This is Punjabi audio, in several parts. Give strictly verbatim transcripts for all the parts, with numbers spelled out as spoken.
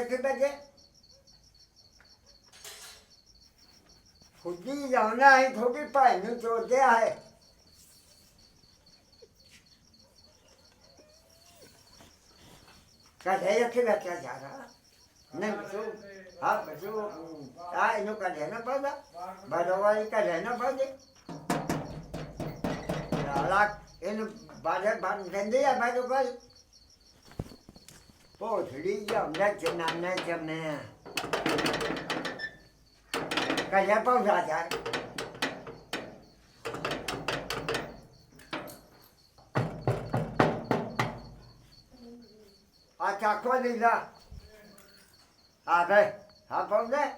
ਕਿੱਥੇ ਬੈਠੇ ਖੁੱਦੀ ਜਾਣਾ ਹੈ ਥੋੜੀ ਭਾਈ ਨੂੰ ਚੋਦਿਆ ਹੈ ਕਦੇ ਇੱਥੇ ਬੈਠਿਆ ਜਾ ਰਹਾ ਨਹੀਂ ਬਸੂ ਹਾਂ ਬਸੂ ਆ ਇਹਨੂੰ ਕਦੇ ਨਾ ਪਤਾ ਬੜਵਾਈ ਕਦੇ ਨਾ ਪਤਾ ਲਾਲਾ ਇਹਨੂੰ ਬਾਹਰ ਬੰਦ ਦਿੰਦੇ ਆ ਮੈਂ ਕੋਈ ਪੋਥੜੀ ਜਾਂਦਾ ਜਨਾਨਾ ਜਮੇ ਕਦੇ ਪੌਂਦਾ ਜਾ अच्छा कोई नहीं था आ गए हाँ पहुँच गए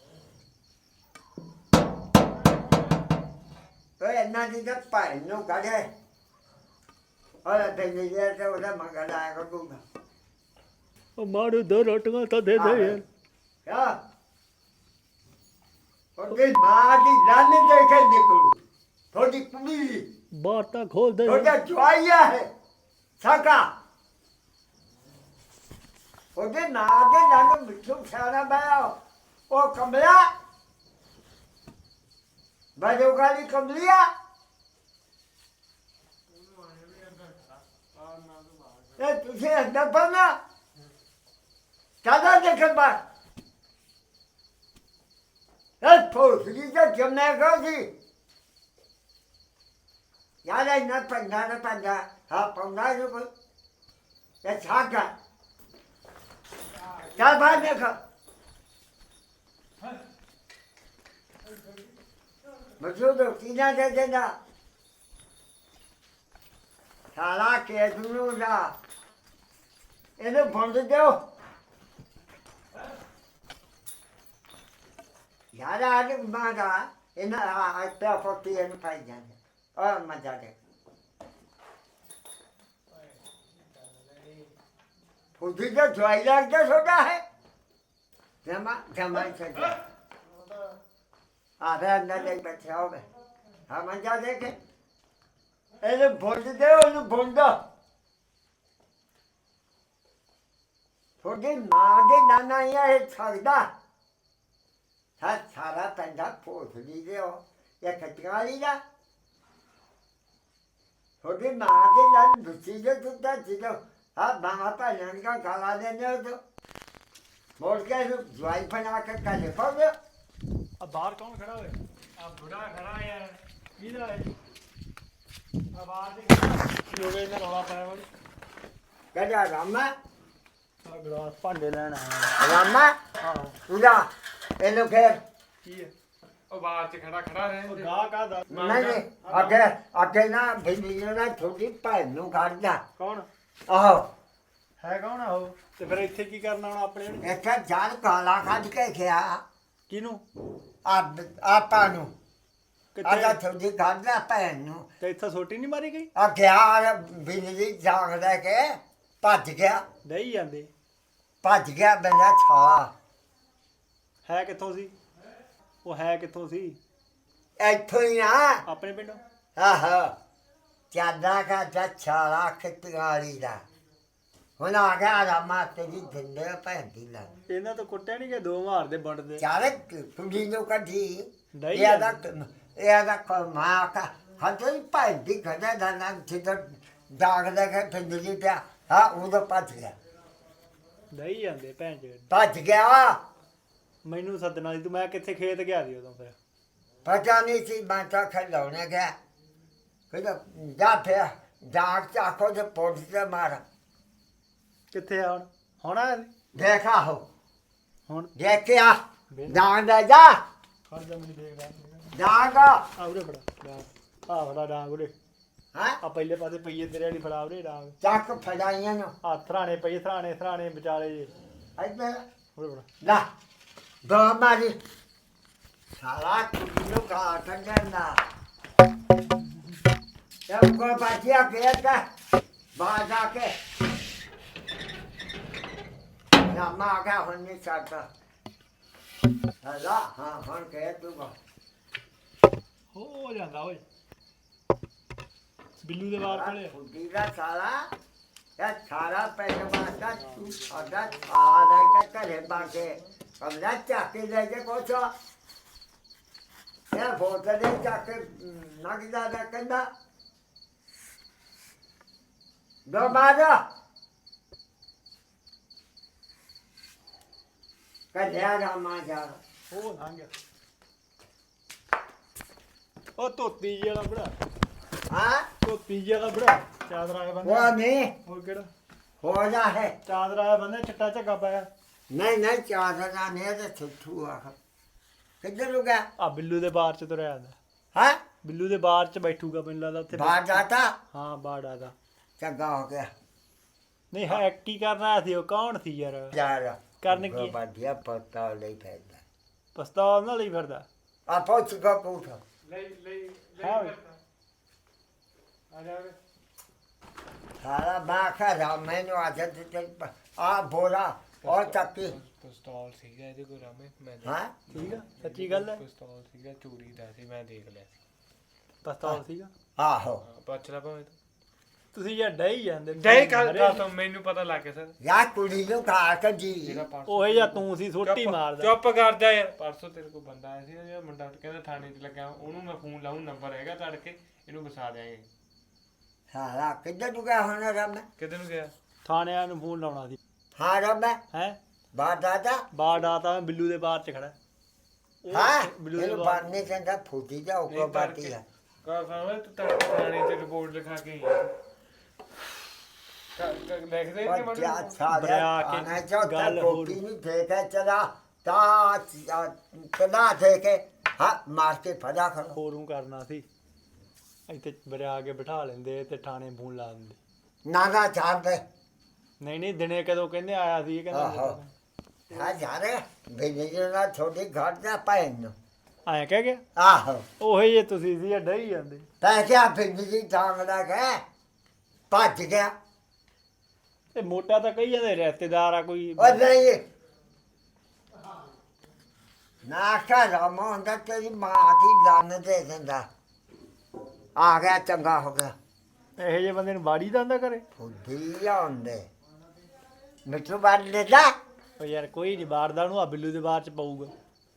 तो इन्ना चीज़ भाई नू कढ़े और तेरी जेर से उधर मगर आएगा दूंगा ਉਹ ਮਾਰੂ ਦੋ ਰੋਟੀਆਂ ਤਾਂ ਦੇ ਦੇ ਯਾਰ क्या और फिर माँ की लाने देखे निकलू थोड़ी कुड़ी ਬਾਹਰ ਤਾਂ ਖੋਲ ਦੇ थोड़ा जुआइया है सका ਉਹਦੇ ਨਾਂ ਦੇ ਨਾਲ ਮਿੱਠੂ ਖਾਣਾ ਪਾਇਆ ਉਹ ਕਮਲਾ ਬਾਜੋ ਗਾਲੀ ਕਮਲਿਆ ਇਹ ਤੁਸੀਂ ਅੰਦਰ ਪਨਾ ਕਾਦਾ ਦੇਖਣ ਬਾ ਇਹ ਫੋਸਲੀ ਦਾ ਜਮਨਾ ਗਾਜੀ ਯਾਰ ਇਹ ਨਾ ਪੰਗਾ ਨਾ ਪੰਗਾ ਹਾਂ ਪੰਗਾ ਜੋ ਕੋਈ ਇਹ ਛਾਗਾ क्या बात देखा बच्चों तो सीना दे देना साला के दुनू जा इन्हें बंद दो यार आज मारा इन्हें आज पे फोर्टी एन पाई जाने और मजा दे खुदी तो ज्वाई लगता सोता है जमा जमा से आधे अंदर ले बैठे हो गए हम जा देखे ऐसे बोल दे उन्हें बोल दो थोड़ी माँ के नाना ये छागदा था सारा पंजा पोस लीजिए हो या कटका लीजा थोड़ी माँ के नान दूसरी जो तुझा चीज़ों हाँ बाहर पर लड़का खाला देने हो तो बोल के ज्वाइन बना कर कल पाओगे अब बाहर कौन खड़ा है अब बुढ़ा खड़ा है यार किधर है अब बाहर देख लोगे इधर रौला पाया बड़ी क्या जा रामा अब ग्लास भांडे लेना है रामा हाँ पूरा ये लोग फिर की है ਉਹ ਬਾਹਰ ਚ ਖੜਾ ਖੜਾ ਰਹੇ ਉਹ ਗਾ ਕਾ ਦਾ नहीं नहीं आगे आगे ना भिंडी ना छोटी पाइन नु काटदा ਕੌਣ आहो ਹੈ ਕੌਣ ਆ ਉਹ ਤੇ ਫਿਰ ਇੱਥੇ ਕੀ ਕਰਨਾ ਹੁਣ ਆਪਣੇ ਨੂੰ एक जान काला काट के खिया ਕਿਹਨੂੰ आप आपा नु आजा ਕਿੱਥੇ छोटी काटदा पाइन नु ਤੇ ਇੱਥੇ ਸੋਟੀ ਨਹੀਂ ਮਾਰੀ ਗਈ आ गया भिंडी जाग दे के भज गया ਨਹੀਂ ਜਾਂਦੇ भज गया बंदा छा ਹੈ ਕਿੱਥੋਂ ਸੀ ਉਹ ਹੈ ਕਿੱਥੋਂ ਸੀ ਇੱਥੋਂ ਹੀ ਆ ਆਪਣੇ ਪਿੰਡੋਂ ਆਹੋ ਚਾਦਾ ਕਾ ਚਾਲਾ ਖਿੱਤਗਾਲੀ ਦਾ ਹੁਣ ਆ ਗਿਆ ਰਾਮਾ ਤੇਰੀ ਦਿੰਦੇ ਭੈਂਦੀ ਲਾ ਇਹਨਾਂ ਤੋਂ ਕੁੱਟਿਆ ਨਹੀਂ ਕਿ ਦੋ ਮਾਰਦੇ ਵੰਡਦੇ ਚਾਰੇ ਕੁੜੀ ਨੂੰ ਕੱਢੀ ਨਹੀਂ ਇਹ ਦਾ ਇਹ ਦਾ ਮਾਂ ਕਾ ਹੱਥੋਂ ਭੈਂਦੀ ਖੜਾ ਦਾ ਨਾ ਜਿੱਦ ਜਾਗ ਦੇ ਕੇ ਫਿੰਦਲੀ ਪਿਆ ਹਾਂ ਉਦੋਂ ਭੱਜ ਗਿਆ ਨਹੀਂ ਜਾਂਦੇ ਭੈਣ ਚੋਦ ਭੱਜ ਗਿਆ ਮੈਨੂੰ ਸੱਦਣਾ ਸੀ ਤੂੰ ਮੈਂ ਕਿੱਥੇ ਖੇਤ ਗਿਆ ਸੀ ਉਦੋਂ ਫਿਰ ਪਤਾ ਨਹੀਂ ਸੀ ਮੈਂ ਤਾਂ ਖਿਲਾਉਣੇ ਗਿਆ ਕਹਿੰਦਾ ਜਾ ਪਿਆ ਜਾਗ ਚਾਕੋ ਦੇ ਪੋਟ ਤੇ ਮਾਰ ਕਿੱਥੇ ਆ ਹੁਣ ਹੁਣ ਆ ਦੇਖਾ ਹੋ ਹੁਣ ਦੇਖਿਆ ਜਾਗ ਦਾ ਜਾ ਖੜ ਜਾ ਮੈਨੂੰ ਦੇਖ ਲੈ ਜਾਗ ਆ ਉਰੇ ਫੜਾ ਡਾਂਗ ਆ ਫੜਾ ਡਾਂਗ ਉਰੇ ਹਾਂ ਆ ਪਹਿਲੇ ਪਾਸੇ ਪਈਏ ਤੇਰੇ ਵਾਲੀ ਫੜਾ ਉਰੇ ਡਾਂਗ ਚੱਕ ਫੜਾਈਆਂ ਨੂੰ ਆ ਥਰਾਣੇ ਪਈ ਥਰਾਣੇ ਥਰਾਣੇ ਵਿਚਾਲੇ ਜੇ ਇੱਧਰ ਉਰੇ ਫੜਾ ਲਾ ਦੋ ਮਾਰੀ ਸਾਲਾ ਕੁੜੀ ਨੂੰ ਕਾ ਕੰਡਣਾ ਜਦ ਕੋ ਬਾਜਿਆ ਗਿਆ ਤਾਂ ਬਾਹਰ ਜਾ ਕੇ ਨਾ ਮਾ ਕਾ ਹੁਣ ਨਹੀਂ ਸਕਦਾ ਹਲਾ ਹਾਂ ਹੁਣ ਕਹਿ ਤੂੰ ਹੋ ਜਾਂਦਾ ਓਏ ਬਿੱਲੂ ਦੇ ਵਾਰ ਕੋਲੇ ਕੁੜੀ ਦਾ ਸਾਲਾ ਇਹ ਸਾਰਾ ਪਿੰਡ ਵਾਸਤਾ ਤੂੰ ਸਾਡਾ ਸਾਰਾ ਰਹਿ ਕੇ ਘਰੇ ਪਾ ਕੇ ਕਮਰਾ ਚੱਕ ਕੇ ਲੈ ਕੇ ਪਹੁੰਚਾ ਇਹ ਬੋਤਲ ਦੇ ਚੱਕ ਕੇ ਨਗਦਾ ਦਾ ਕੰਦਾ ਦੋ ਬਾਜਾ ਕਲਿਆ ਰਾਮਾ ਜਾ ਉਹ ਲੰਘ ਗਿਆ ਉਹ ਧੋਤੀ ਜੀ ਵਾਲਾ ਬੜਾ ਹਾਂ ਧੋਤੀ ਜੀ ਵਾਲਾ ਬੜਾ ਚਾਦਰਾ ਆਇਆ ਬੰਦਾ ਉਹ ਨਹੀਂ ਹੋਰ ਕਿਹੜਾ ਹੋ ਜਾ ਹੈ ਚਾਦਰਾ ਆਇਆ ਬੰਦਾ ਚਿੱਟਾ ਝੱਗਾ ਪਾਇਆ ਨਹੀਂ ਨਹੀਂ ਚਾਦਰਾ ਨਹੀਂ ਤੇ ਛੁੱਟੂ ਆ ਕਿੱਧਰ ਨੂੰ ਗਿਆ ਆ ਬਿੱਲੂ ਦੇ ਬਾਰ ਚ ਤੁਰਿਆ ਆਂਦਾ ਹਾਂ ਬਿੱਲੂ ਦੇ ਬਾਰ ਚ ਬੈਠੂਗਾ ਮੈਨੂੰ ਲੱਗਦਾ ਉੱਥੇ ਬਾਹਰ ਜਾਤਾ ਹਾਂ ਬਾੜ ਆਦਾ ਚੰਗਾ ਹੋ ਗਿਆ ਨਹੀਂ ਹੈ ਕੀ ਕਰਨਾ ਆਇਆ ਸੀ ਉਹ ਕੌਣ ਸੀ ਯਾਰ ਯਾਰ ਕਰਨ ਕੀ ਬਾਦੀਆ ਪਤਾ ਲਈ ਫੈਦਾ ਪਸਤਾਵ ਨਾਲ ਹੀ ਫਿਰਦਾ ਆ ਪਹੁੰਚ ਕੋ ਪੁੱਛ ਲਈ ਲਈ ਹਾਂ ਓਏ। ਆ ਜਾ ਵੇ। ਸਾਰਾ ਬਾਖਾ ਰਾ ਮੈਨੂੰ ਆ ਜਦ ਤੇ ਆ ਬੋਲਾ ਔਰ ਚੱਕੀ ਪਿਸਤੌਲ ਸੀਗਾ ਇਹਦੇ ਕੋਲ ਰਾਮੇ ਮੈਂ ਹਾਂ ਠੀਕ ਆ ਸੱਚੀ ਗੱਲ ਹੈ ਪਿਸਤੌਲ ਸੀਗਾ ਚੋਰੀ ਦਾ ਸੀ ਮੈਂ ਦੇਖ ਲਿਆ ਸੀ ਪਸਤਾਵ ਸੀਗਾ ਆਹੋ ਹਾਂ, ਪੁੱਛ ਲੈ ਭਾਵੇਂ ਤੂੰ ਤੁਸੀਂ ਯਾਰ ਡਈ ਜਾਂਦੇ ਜੈ ਕਰ ਦੱਸ ਮੈਨੂੰ ਪਤਾ ਲੱਗ ਗਿਆ ਸਰ ਯਾ ਕੁੜੀ ਨੂੰ ਖਾ ਕੇ ਜੀ ਜਿਹੜਾ ਪਰਸੋਂ ਉਹ ਜਾਂ ਤੂੰ ਸੀ ਸੋਟੀ ਚੁੱਪ- ਮਾਰਦਾ ਚੁੱਪ ਕਰ ਜਾ ਯਾਰ ਪਰਸੋਂ ਤੇਰੇ ਕੋਲ ਬੰਦਾ ਆਇਆ ਸੀ ਜਿਹੜਾ ਮੁੰਡਾ ਕਹਿੰਦਾ ਥਾਣੇ 'ਚ ਲੱਗਾ ਉਹਨੂੰ ਮੈਂ ਫੋਨ ਲਾਉਂ ਨੰਬਰ ਹੈਗਾ ਤੜਕੇ ਇਹਨੂੰ ਵਸਾ ਦਿਆਂਗੇ ਸਾਰਾ ਕਿੱਧਰ ਨੂੰ ਗਿਆ ਹੁਣ ਰਮ ਕਿਤੇ ਨੂੰ ਗਿਆ ਥਾਣਿਆਂ ਨੂੰ ਫੋਨ ਲਾਉਣਾ ਸੀ ਹਾਂ ਰਮ ਹੈ ਬਾਹਰ ਦਾਦਾ ਬਾੜ ਆਤਾ ਬਿੱਲੂ ਦੇ ਬਾਰ ਚ ਖੜਾ ਉਹ ਹਾਂ ਬਿੱਲੂ ਦੇ ਇਹਨੂੰ ਬਾਰ ਬਾਹਰ ਨਹੀਂ ਕਹਿੰਦਾ ਫੂਟੀ ਜਾ ਉਹ ਨਹੀਂ ਬਾਤੀ ਤੜਕੇ ਹੈ ਕਾ ਸਾਹਮਣੇ ਤੂੰ ਤੜਕੇ ਥਾਣੇ 'ਚ ਰਿਪੋਰਟ ਲਿਖਾ ਕੇ ਆਈ ਹੈ ਕ- ਕ- ਲਿਖਦੇ ਕਿ और ਮੈਨੂੰ क्या सारा बड़ा के आना जो गल टोपी नहीं देखे चला ता चला देखे हाँ मार के फजा करो ਹੋਰੂ ਕਰਨਾ ਸੀ ਇੱਥੇ ਬਰਿਆ ਕੇ ਬਿਠਾ ਲੈਂਦੇ ਤੇ ਥਾਣੇ ਫੋਨ ਲਾ ਦਿੰਦੇ नाना चार दे ਨਹੀਂ ਨਹੀਂ ਦਿਨੇ ਕਦੋਂ ਕਹਿੰਦੇ ਆਇਆ ਸੀ ਇਹ ਆਹੋ। ਕਹਿੰਦਾ हाँ जा रहे बिजली ना छोटी घर जा पहन ਆਇਆ ਕਹਿ ਗਿਆ आहो ਉਹੀ ਜੇ ਤੁਸੀਂ ਸੀ ਡਈ ਜਾਂਦੇ पै क्या बिजली टांग लगे भज गया ਤੇ ਮੋਟਾ ਤਾਂ ਕਹੀ ਜਾਂਦੇ ਰਿਸ਼ਤੇਦਾਰ ਆ ਕੋਈ और नहीं नाका रामा होंदा तेरी माँ की लान दे देंदा आ गया चंगा हो गया ਇਹੋ ਜਿਹੇ ਬੰਦੇ ਨੂੰ ਬਾੜੀ ਦਾ ਹੁੰਦਾ ਕਰੇ ਫੁੱਡੀ ਆਉਂਦੇ ਮਿੱਠੂ ਬਾੜ ਲੈਦਾ ਉਹ ਯਾਰ ਕੋਈ ਨਹੀਂ ਬਾੜਦਾ ਉਹਨੂੰ ਆ ਬਿੱਲੂ ਦੇ ਬਾਰ ਚ ਪਊਗਾ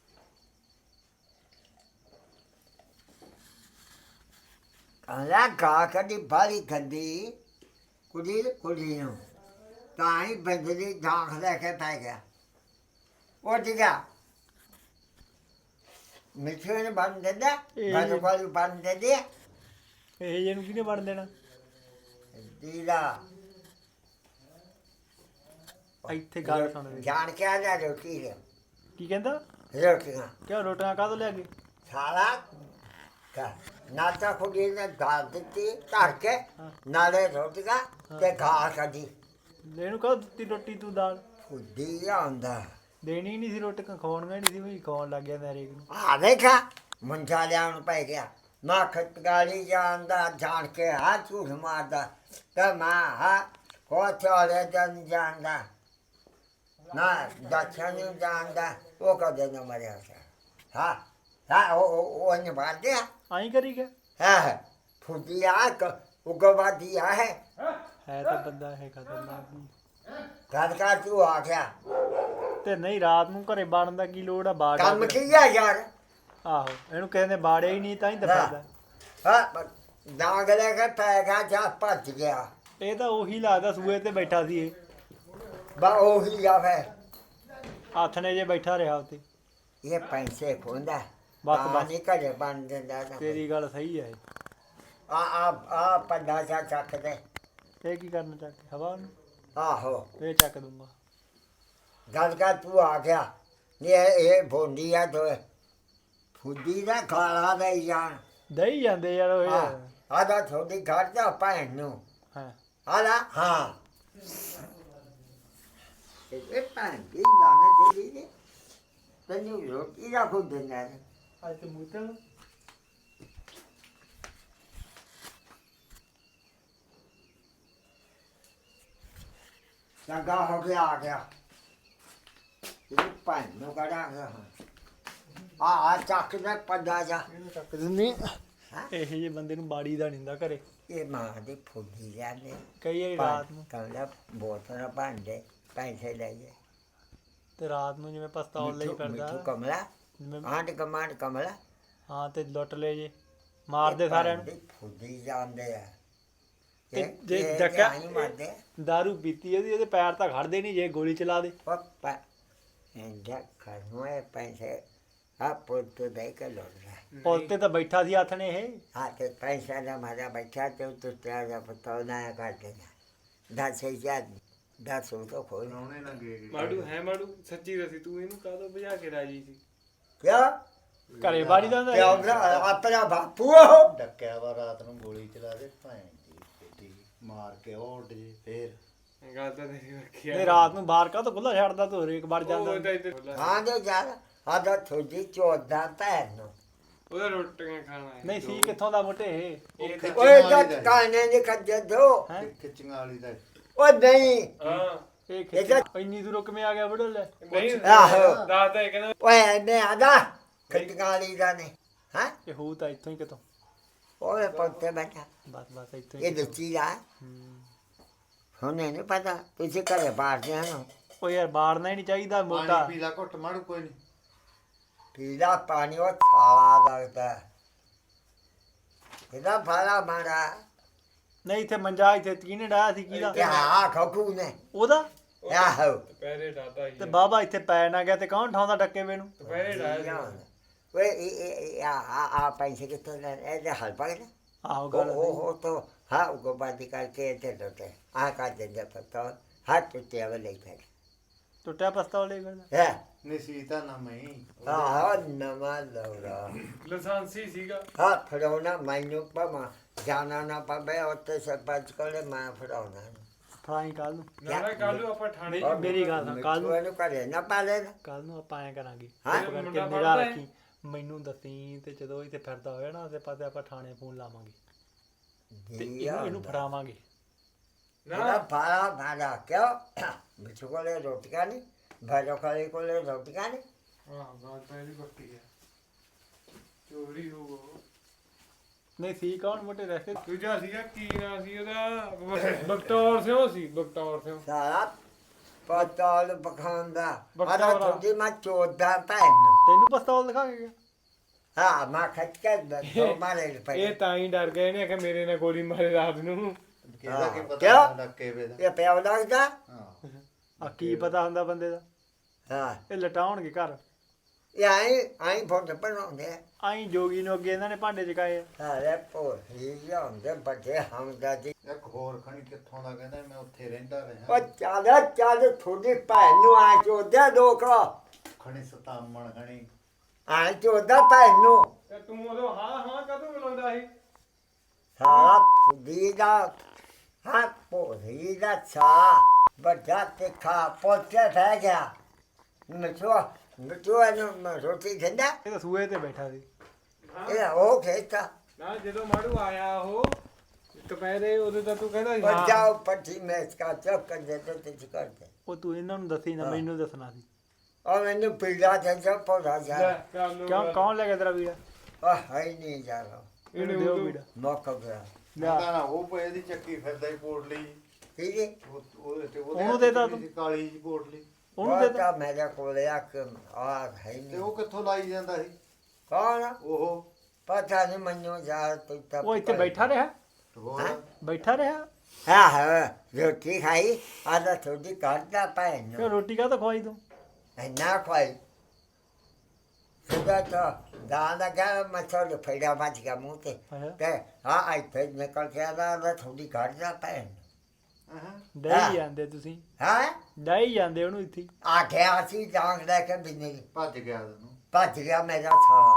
ਕਹਿੰਦਾ ਗਾ ਕਦੀ ਬਾਲੀ ਗੰਦੀ ਕੁੜੀ ਕੁੜੀ ਨੂੰ ਤਾਂ ਹੀ ਬੰਦਲੀ ਦਾਖ ਲੈ ਕੇ ਪੈ ਗਿਆ ਉਹ ਜਿਗਾ ਮਿੱਠੂ ਨੇ ਬੰਦ ਦੇ ਦੇ ਇਹ- ਬਾਲੂ ਬਾਲੂ ਬੰਦ ਦੇ ਦੇ ਇਹ ਜਿਹੇ ਨੂੰ ਕਿਹਨੇ ਬਣ ਦੇਣਾ ਦੀਦਾ ਇੱਥੇ ਗੱਲ ਸੁਣ ਦੇ ਜਾਣ ਕੇ ਆ ਜਾ ਰੋਟੀ ਦੇ ਕੀ ਕਹਿੰਦਾ ਰੋਟੀਆਂ ਕਿਉਂ ਰੋਟੀਆਂ ਕਾਹਦੋਂ ਲਿਆ ਗਏ ਸਾਰਾ ਕਾ ਨਾਤਾ ਕੁੜੀ ਨੇ ਦਾਲ ਦਿੱਤੀ ਧਰ ਕੇ ਨਾਲੇ ਰੋਟੀਆਂ ਤੇ ਘਾਹ ਕੱਢੀ ਇਹਨੂੰ ਕਹੋ ਦਿੱਤੀ ਰੋਟੀ ਤੂੰ ਦਾਲ ਫੁੱਡੀ ਆਉਂਦਾ ਦੇਣੀ ਨਹੀਂ ਸੀ ਰੋਟੀਆਂ ਖਾਣੀਆਂ ਨਹੀਂ ਸੀ ਵੀ ਖਾਣ ਲੱਗ ਗਿਆ ਮੈਂ ਹਰੇਕ ਨੂੰ ਆ ਦੇਖਾ ਮੁੰਡਾ ਲਿਆਉਣ ਨੂੰ ਪੈ ਗਿਆ ਮੈਂ ਖਤਗਾਲੀ ਜਾਂਦਾ ਜਾਣ ਕੇ ਆ ਝੂਠ ਮਾਰਦਾ ਤੇ ਮੈਂ ਹਾਂ ਕੋਚਾਲੇ ਜਨ ਜਾਂਦਾ ਨਾ ਦੱਛਾ ਨਹੀਂ ਜਾਂਦਾ ਉਹ ਕਦੇ ਨਾ ਮਰਿਆ ਸੀ ਹਾਂ ਹਾਂ ਉਹ ਉਹ ਉਹ ਨਹੀਂ ਬਾਦਿਆ ਆਈ ਕਰੀ ਗਿਆ ਹਾਂ ਫੁੱਦੀ ਆ ਉਗਵਾਦੀ ਆ ਹੈ ਹੈ ਤਾਂ ਬੰਦਾ ਇਹ ਖਤਰਨਾਕ ਵੀ ਘਰ ਕਾ ਤੂੰ ਆ ਗਿਆ ਤੇ ਨਹੀਂ ਰਾਤ ਨੂੰ ਘਰੇ ਬਾੜਨ ਦਾ ਕੀ ਲੋੜ ਆ ਬਾੜ ਕੰਮ ਕੀ ਆ ਯਾਰ ਆਹੋ ਇਹਨੂੰ ਕਹਿੰਦੇ ਬਾੜੇ ਹੀ ਨਹੀਂ ਤਾਂ ਹੀ ਦੱਸਦਾ ਹਾਂ ਡਾਂਗ ਲੈ ਕੇ ਪੈ ਗਿਆ ਜਾ ਭੱਜ ਗਿਆ ਇਹ ਤਾਂ ਉਹੀ ਲੱਗਦਾ ਸੂਏ ਤੇ ਬੈਠਾ ਸੀ ਇਹ ਬਾ ਉਹੀ ਆਵੇ ਹੱਥ ਨੇ ਜੇ ਬੈਠਾ ਰਿਹਾ ਉੱਤੇ ਇਹ ਪੈਸੇ ਖੋਂਦਾ ਬਸ, ਬਸ ਬਸ। ਨਹੀਂ ਘਰੇ ਬਣ ਦਿੰਦਾ ਨਾ ਤੇਰੀ ਗੱਲ ਸਹੀ ਹੈ ਆ ਆ ਆ ਪੰਡਾ ਚਾ ਚੱਕ ਦੇ ਇਹ ਕੀ ਕਰਨਾ ਚੱਕ ਕੇ? ਹਵਾ ਨੂੰ ਆਹੋ ਇਹ ਚੱਕ ਦੂੰਗਾ ਗੱਲ ਕਰ ਤੂੰ ਆ ਗਿਆ ਨਹੀਂ ਇਹ ਇਹ ਭੋਂਡੀ ਆ ਤੋ ਫੁੱਦੀ ਦਾ ਖਾਲਾ ਦੇ ਜਾਣ ਦਈ ਜਾਂਦੇ ਯਾਰ ਉਹ ਆ ਯਾਰ। ਆਦਾ ਥੋੜੀ ਘਰ ਜਾ ਭੈਣ ਨੂੰ ਹਾਂ ਆਦਾ ਹਾਂ ਇਹ ਭੈਣ ਦੀ ਲਾਣਾ ਜਿਹੜੀ ਨੇ ਤੈਨੂੰ ਰੋਟੀ ਦਾ ਖੁਦ ਦਿੰਦਾ ਨੇ ਅੱਜ ਤੇ ਮੂਤਲ ਚੰਗਾ ਹੋ ਗਿਆ ਆ ਗਿਆ ਇਹ ਭੈਣ ਨੂੰ ਕਢਾਂਗਾ ਆ ਆ ਚੱਕ ਦੇ ਪੰਡਾ ਜਾ ਇਹਨੂੰ ਚੱਕ ਦਿੰਦੀ ਹਾਂ ਇਹੋ ਜਿਹੇ ਬੰਦੇ ਨੂੰ ਬਾੜੀ ਦਾ ਨਹੀਂ ਹੁੰਦਾ ਘਰੇ ਇਹ ਮਾਂ ਦੀ ਫੁੱਦੀ ਜਾਂਦੇ ਕਈ ਵਾਰੀ ਰਾਤ ਨੂੰ ਕਹਿੰਦਾ ਬੋਤਲਾਂ ਭਾਂਡੇ ਪੈਸੇ ਲੈ ਗਏ ਤੇ ਰਾਤ ਨੂੰ ਜਿਵੇਂ ਪਸਤੌਲ ਲਈ ਮਿੱਠੂ ਫਿਰਦਾ ਕਮਲਾ ਜਿਵੇਂ ਆਂਡ ਕਮਾਂਡ ਕਮਲਾ ਹਾਂ ਤੇ ਲੁੱਟ ਲੈ ਜੇ ਮਾਰਦੇ ਸਾਰਿਆਂ ਨੂੰ ਫੁੱਦੀ ਜਾਂਦੇ ਆ ਤੇ ਇਹ- ਜੇ ਇਹ ਡੱਕਾ ਆਈਂ ਮਾਰਦੇ ਦਾਰੂ ਪੀਤੀ ਉਹਦੀ ਉਹਦੇ ਪੈਰ ਤਾਂ ਖੜਦੇ ਨਹੀਂ ਜੇ ਗੋਲੀ ਚਲਾ ਦੇ ਪਪਾ ਇੰਦਾ ਖਰਮੇ ਪੈਸੇ ਆ ਪੁੱਤ ਦੇ ਕੇ ਲੋੜਾ ਪੁੱਲ ਤੇ ਤਾਂ ਬੈਠਾ ਸੀ ਹੱਥ ਨੇ ਇਹ ਆ ਤੇ ਪੈਸਾ ਦਾ ਮਾਰਾ ਬੈਠਾ ਤੇ ਉੱਤੇ ਤੇ ਜਾ ਪਤਾ ਨਾ ਕਰ ਦੇਣਾ ਦਸ ਹਜ਼ਾਰ ਦਸ ਉਹ ਤਾਂ ਕੋਈ ਨਾ ਉਹਨੇ ਨਾ ਗਏ ਮਾੜੂ ਹੈ ਮਾੜੂ ਸੱਚੀ ਦੱਸੀ ਤੂੰ ਇਹਨੂੰ ਕਾਹਦੋਂ ਭਜਾ ਕੇ ਰਾਜੀ ਸੀ ਕਿਆ ਘਰੇ ਬਾੜੀ ਦਾ ਹੁੰਦਾ ਕਿਆ ਇਹ। ਬਰਾ ਆਪਣਾ ਬਾਪੂ ਉਹ ਡੱਕਿਆ ਵਾ ਰਾਤ ਨੂੰ ਗੋਲੀ ਚਲਾ ਦੇ ਭੈਣ ਦੀ ਬੇਟੀ ਮਾਰ ਕੇ ਉਹ ਉੱਡ ਜੇ ਫੇਰ ਗੱਲ ਤਾਂ ਤੇਰੀ ਰੱਖੀ ਤੇ ਰਾਤ ਨੂੰ ਬਾਹਰ ਕਾ ਤਾਂ ਖੁੱਲਾ ਛੱਡਦਾ ਤੂੰ ਹਰੇਕ ਵਾਰ ਉਹ ਜਾਂਦਾ ਤਾਂ ਇੱਥੇ ਹਾਂ ਦੇ ਯਾਰ ਆਦਾ ਥੋੜੀ ਚੋਦਾ ਭੈਣ ਨੂੰ ਉਹਦਾ ਰੋਟੀਆਂ ਖਾਣਾ ਹੈ ਨਹੀਂ ਸੀ ਕਿੱਥੋਂ ਦਾ ਮੋਟੇ ਇਹ ਇਹ ਤਾਂ- ਓਏ ਜੱਟ ਕਾਨੇ ਦੇ ਖੱਜੇ ਦੋ ਹੈ ਖਿੱਚੀਆਂ ਵਾਲੀ ਦਾ ਉਹ ਨਹੀਂ ਹਾਂ ਇਹ ਖਿੱਚ ਇੰਨੀ ਦੂਰੋਂ ਕਿਵੇਂ ਆ ਗਿਆ ਬੁੱਢਾ ਲੈ ਨਹੀਂ ਆਹੋ। ਦਾਦਾ ਇਹ ਕਹਿੰਦਾ ਓਏ ਮੈਂ ਆਦਾ ਖਟਕਾਲੀ ਦਾ ਨੇ ਹਾਂ ਇਹ ਹੋਊ ਤਾਂ ਇੱਥੋਂ ਹੀ ਕਿਤੋਂ ਓਏ ਪੱਤੇ ਬੈਠਾ ਬਸ ਬਸ ਇੱਥੋਂ ਇਹ ਹੀ ਦੱਸੀ ਆ ਹੂੰ। ਹੁਣੇ ਨਹੀਂ ਪਤਾ ਤੁਸੀਂ ਘਰੇ ਬਾਹਰਦੇ ਹਨ ਉਹ ਯਾਰ ਬਾੜਨਾ ਹੀ ਨਹੀਂ ਚਾਹੀਦਾ ਮੋਟਾ ਪਾਣੀ ਪੀ ਲਾ ਘੁੱਟ ਮਾਰੂ ਕੋਈ ਨਹੀਂ ਪੀਲਾ ਪਾਣੀ ਉਹ ਥਾਲਾ ਲੱਗਦਾ ਇਹਦਾ ਫਾਲਾ ਮਾਰਾ ਨਹੀਂ ਇੱਥੇ ਮੰਜਾ ਇੱਥੇ ਕਿਹਨੇ ਡਾਇਆ ਸੀ ਕਿਹਦਾ ਇਹ ਆ ਖੋਖੂ ਨੇ ਉਹਦਾ ਆਹੋ ਦੁਪਹਿਰੇ ਦਾਦਾ ਹੀ ਤੇ ਬਾਬਾ ਇੱਥੇ ਪੈ ਨਾ ਗਿਆ ਤੇ ਕੌਣ ਠਾਉਂਦਾ ਡੱਕੇ ਵੇ ਨੂੰ ਦੁਪਹਿਰੇ ਡਾਇਆ ਓਏ ਇਹ ਇਹ ਆ ਆ ਆ ਪੈਸੇ ਕਿੱਥੋਂ ਲੈ ਇਹਦੇ ਹਲ ਪਾ ਕੇ ਆਹੋ ਉਹ ਗੱਲ ਉਹ ਉਹ ਤਾਂ ਹਾਂ ਉਹ ਬਾਦੀ ਕਰਕੇ ਤੇ ਲੋਟੇ ਆ ਕਾ ਦਿੰਦਾ ਪਤਾ ਹੱਥ ਉੱਤੇ ਆਵੇ ਲੈ ਕੇ ਟੁੱਟਿਆ ਪਸਤੌਲ ਲੈ ਫਿਰਦਾ ਹੈ ਨਸੀਤਾ ਨਾ ਮੈਂ ਆਹ ਨਵਾਂ ਲੌੜਾ ਲਾਇਸੈਂਸੀ ਸੀਗਾ ਹਾਂ ਫੜਾਉਣਾ ਮੈਨੂੰ ਪਮਾ ਜਾਣਾ ਨਾ ਪਵੇ ਉੱਤੇ ਸਰਪੰਚ ਕੋਲੇ ਮੈਂ ਫੜਾਉਣਾ ਫੜਾਈ ਕੱਲ ਨੂੰ ਨਾਲੇ ਕੱਲ ਨੂੰ ਆਪਾਂ ਥਾਣੇ ਨਹੀਂ, ਮੇਰੀ ਗੱਲ ਸੁਣ, ਕੱਲ੍ਹ ਨੂੰ- ਨੂੰ ਕਰੇ ਨਾ ਪਾਲੇ ਨਾ ਕੱਲ ਨੂੰ ਆਪਾਂ ਐ ਕਰਾਂਗੇ ਹਾਂ? ਚੁੱਪ ਕਰਕੇ ਮੁੰਡਾ ਨਿਗਾਹ ਪੜ੍ਹਦਾ ਹੈ? ਰੱਖੀ ਮੈਨੂੰ ਦੱਸੀ ਤੇ ਜਦੋਂ ਇੱਥੇ ਫਿਰਦਾ ਹੋਇਆ ਨਾ ਆਸੇ ਪਾਸੇ ਆਪਾਂ ਥਾਣੇ ਫੋਨ ਲਾਵਾਂਗੇ ਤੇ ਇਹਨੂੰ ਇਹਨੂੰ ਫੜਾਵਾਂਗੇ ਨਾ ਨਾ ਫਾਲਾ ਫਾਲਾ ਕਿਉਂ ਮਿੱਠੂ ਕੋਲੇ ਰੋਟੀਆਂ ਨਹੀਂ ਭਾਜੋ ਕਾਲੇ ਕੋਲੇ ਰੋਟੀਆਂ ਨਹੀਂ ਹਾਂ ਗੱਲ ਤਾਂ ਇਹਦੀ ਪੱਕੀ ਹੈ ਚੋਰੀ ਹੋ ਗਈ ਨਹੀਂ ਸੀ ਕੌਣ ਮੋਟੇ ਰਹਿਤੇ ਦੂਜਾ ਸੀਗਾ ਕੀ ਨਾਂ ਸੀ ਉਹਦਾ ਬਖਤੌਰ ਸਿੰਘ ਸੀ ਬਖਤੌਰ ਸਿੰਘ ਸਾਰਾ ਪਤਾਲ ਬਖਾਂਦਾ ਬਖਤੌਰਾ। ਆਦਾ ਤੁਹਾਡੀ ਮੈਂ ਚੋਦਾ ਭੈਣ ਨੂੰ ਤੈਨੂੰ ਪਸਤੌਲ ਦਿਖਾ ਕੇ ਗਿਆ ਹਾਂ ਮੈਂ ਖੱਚ ਕੇ ਦੋ ਮਾਰੇ ਪਏ ਇਹ ਤਾਂ ਹੀ ਡਰ ਗਏ ਨੇ ਕਿ ਮੇਰੇ ਨਾਲ ਗੋਲੀ ਮਾਰੇ ਰਾਤ ਨੂੰ ਕਿਹਦਾ ਕੀ ਹਾਂ। ਪਤਾ ਕਿਆ? ਡੱਕੇ ਵੇ ਦਾ ਇਹ ਪਿਆ ਲੱਗਦਾ ਹਾਂ ਆ ਕੀ ਪਤਾ ਹੁੰਦਾ ਬੰਦੇ ਦਾ ਹਾਂ ਇਹ ਲਟਾਉਣਗੇ ਘਰ ਇਹ ਆਈ ਆਈ ਫੋਟੋ ਬਣਾਉਂਦੇ ਆਈ ਜੋਗੀ ਨੂੰ ਅੱਗੇ ਇਹਨਾਂ ਨੇ ਭਾਂਡੇ ਚਕਾਏ ਆ। ਸਾਰੇ ਪੋਹੀ ਜਾਂਦੇ ਬੱਚੇ ਹਮਦਾ ਜੀ ਇੱਕ ਹੋਰ ਖਣੀ ਕਿੱਥੋਂ ਦਾ ਕਹਿੰਦਾ ਮੈਂ ਉੱਥੇ ਰਹਿੰਦਾ ਉਹ ਰਿਹਾ ਚਾਦਾ ਚਾਦ ਥੋੜੀ ਭੈਣ ਨੂੰ ਆ ਚੋਦਾ ਦੋਖਾ ਖਣੀ ਸਤਾਮਣ ਖਣੀ ਆ ਚੋਦਾ ਭੈਣ ਨੂੰ ਤੇ ਤੂੰ ਉਦੋਂ ਹਾਂ ਹਾਂ ਕਦੋਂ ਬੁਲਾਉਂਦਾ ਸੀ ਸਾਰਾ ਫੁੱਦੀ ਦਾ ਹਾਂ ਪੋਹੀ ਦਾ ਛਾ ਬੱਚਾ ਤੇ ਖਾ ਪੋਤੇ ਫੈ ਗਿਆ ਮਿੱਠੂ ਮਿੱਠੂ ਇਹਨੂੰ ਰੋਟੀ ਦਿੰਦਾ ਇਹ ਤਾਂ ਸੂਏ ਤੇ ਬੈਠਾ ਸੀ ਹਾਂ ਇਹ ਉਹ ਖੇਤਾ ਨਾ ਜਦੋਂ ਮਾੜੂ ਆਇਆ ਉਹ ਦੁਪਹਿਰੇ ਉਹਦੇ ਤਾਂ ਤੂੰ ਕਹਿੰਦਾ ਸੀ ਹਾਂ ਬੱਚਾਓ ਪੱਠੀ ਮੈਂ ਇਸਕਾ ਚੁੱਕ ਕਰ ਦੇ ਤੇ ਤੇ ਕਰ ਦੇ ਉਹ ਤੂੰ ਇਹਨਾਂ ਨੂੰ ਦੱਸੀ ਨਾ ਹਾਂ। ਮੈਨੂੰ ਦੱਸਣਾ ਸੀ और मैंने पीला था जब पौधा जा ਲੈ, ਚੱਲ ਨੂੰ ਕਿਉਂ ਕੌਣ ਲੈ ਗਿਆ ਤੇਰਾ ਵੀਰਾ और है ही नहीं जा रहा ਇਹਨੇ ਦਿਓ ਉਦੋਂ ਵੀਰਾ मौका गया ਲਿਆ ਕਹਿੰਦਾ ਨਾ ਉਹ ਪਏ ਦੀ ਚੱਕੀ ਫਿਰਦਾ ਹੀ ਪੋਟਲੀ ठीक है ਉਹ ਉਹਦੇ ਤੇ ਉਹਨੂੰ ਦੇ ਤਾ ਤੂੰ। ਕਾਲੀ ਜੀ ਪੋਟਲੀ ਉਹਨੂੰ ਦੇ बहुत मेरे को लिया कि और है ही ਤੇ नहीं ਉਹ ਕਿੱਥੋਂ ਲਾਈ ਜਾਂਦਾ ਸੀ कौन ਉਹ पता नहीं मनु जा तो तब ਉਹ ਇੱਥੇ ਬੈਠਾ ਰਿਹਾ ਹੋਰ ਹਾਂ? ਬੈਠਾ ਰਿਹਾ हाँ हाँ रोटी खाई आधा थोड़ी काटता पाए ਕਿ ਰੋਟੀ ਕਾ ਤਾਂ ਖਵਾਈ ਤੂੰ ना खाई सुबह तो दाना क्या मछली फैला बच गया मुँह से ਅੱਛਾ ते हाँ आई फिर निकल के आधा आधा थोड़ी काटता पाए ਹਾਂ ਡਾਈ ਜਾਂਦੇ ਤੁਸੀਂ हाँ ਡਾਈ ਜਾਂਦੇ ਉਹਨੂੰ ਇੱਥੇ ਹੀ। आखे आसी जांग लेके बिजली ਭੱਜ ਗਿਆ ਤੈਨੂੰ ਭੱਜ ਗਿਆ ਮੇਰਾ ਸਾਲਾ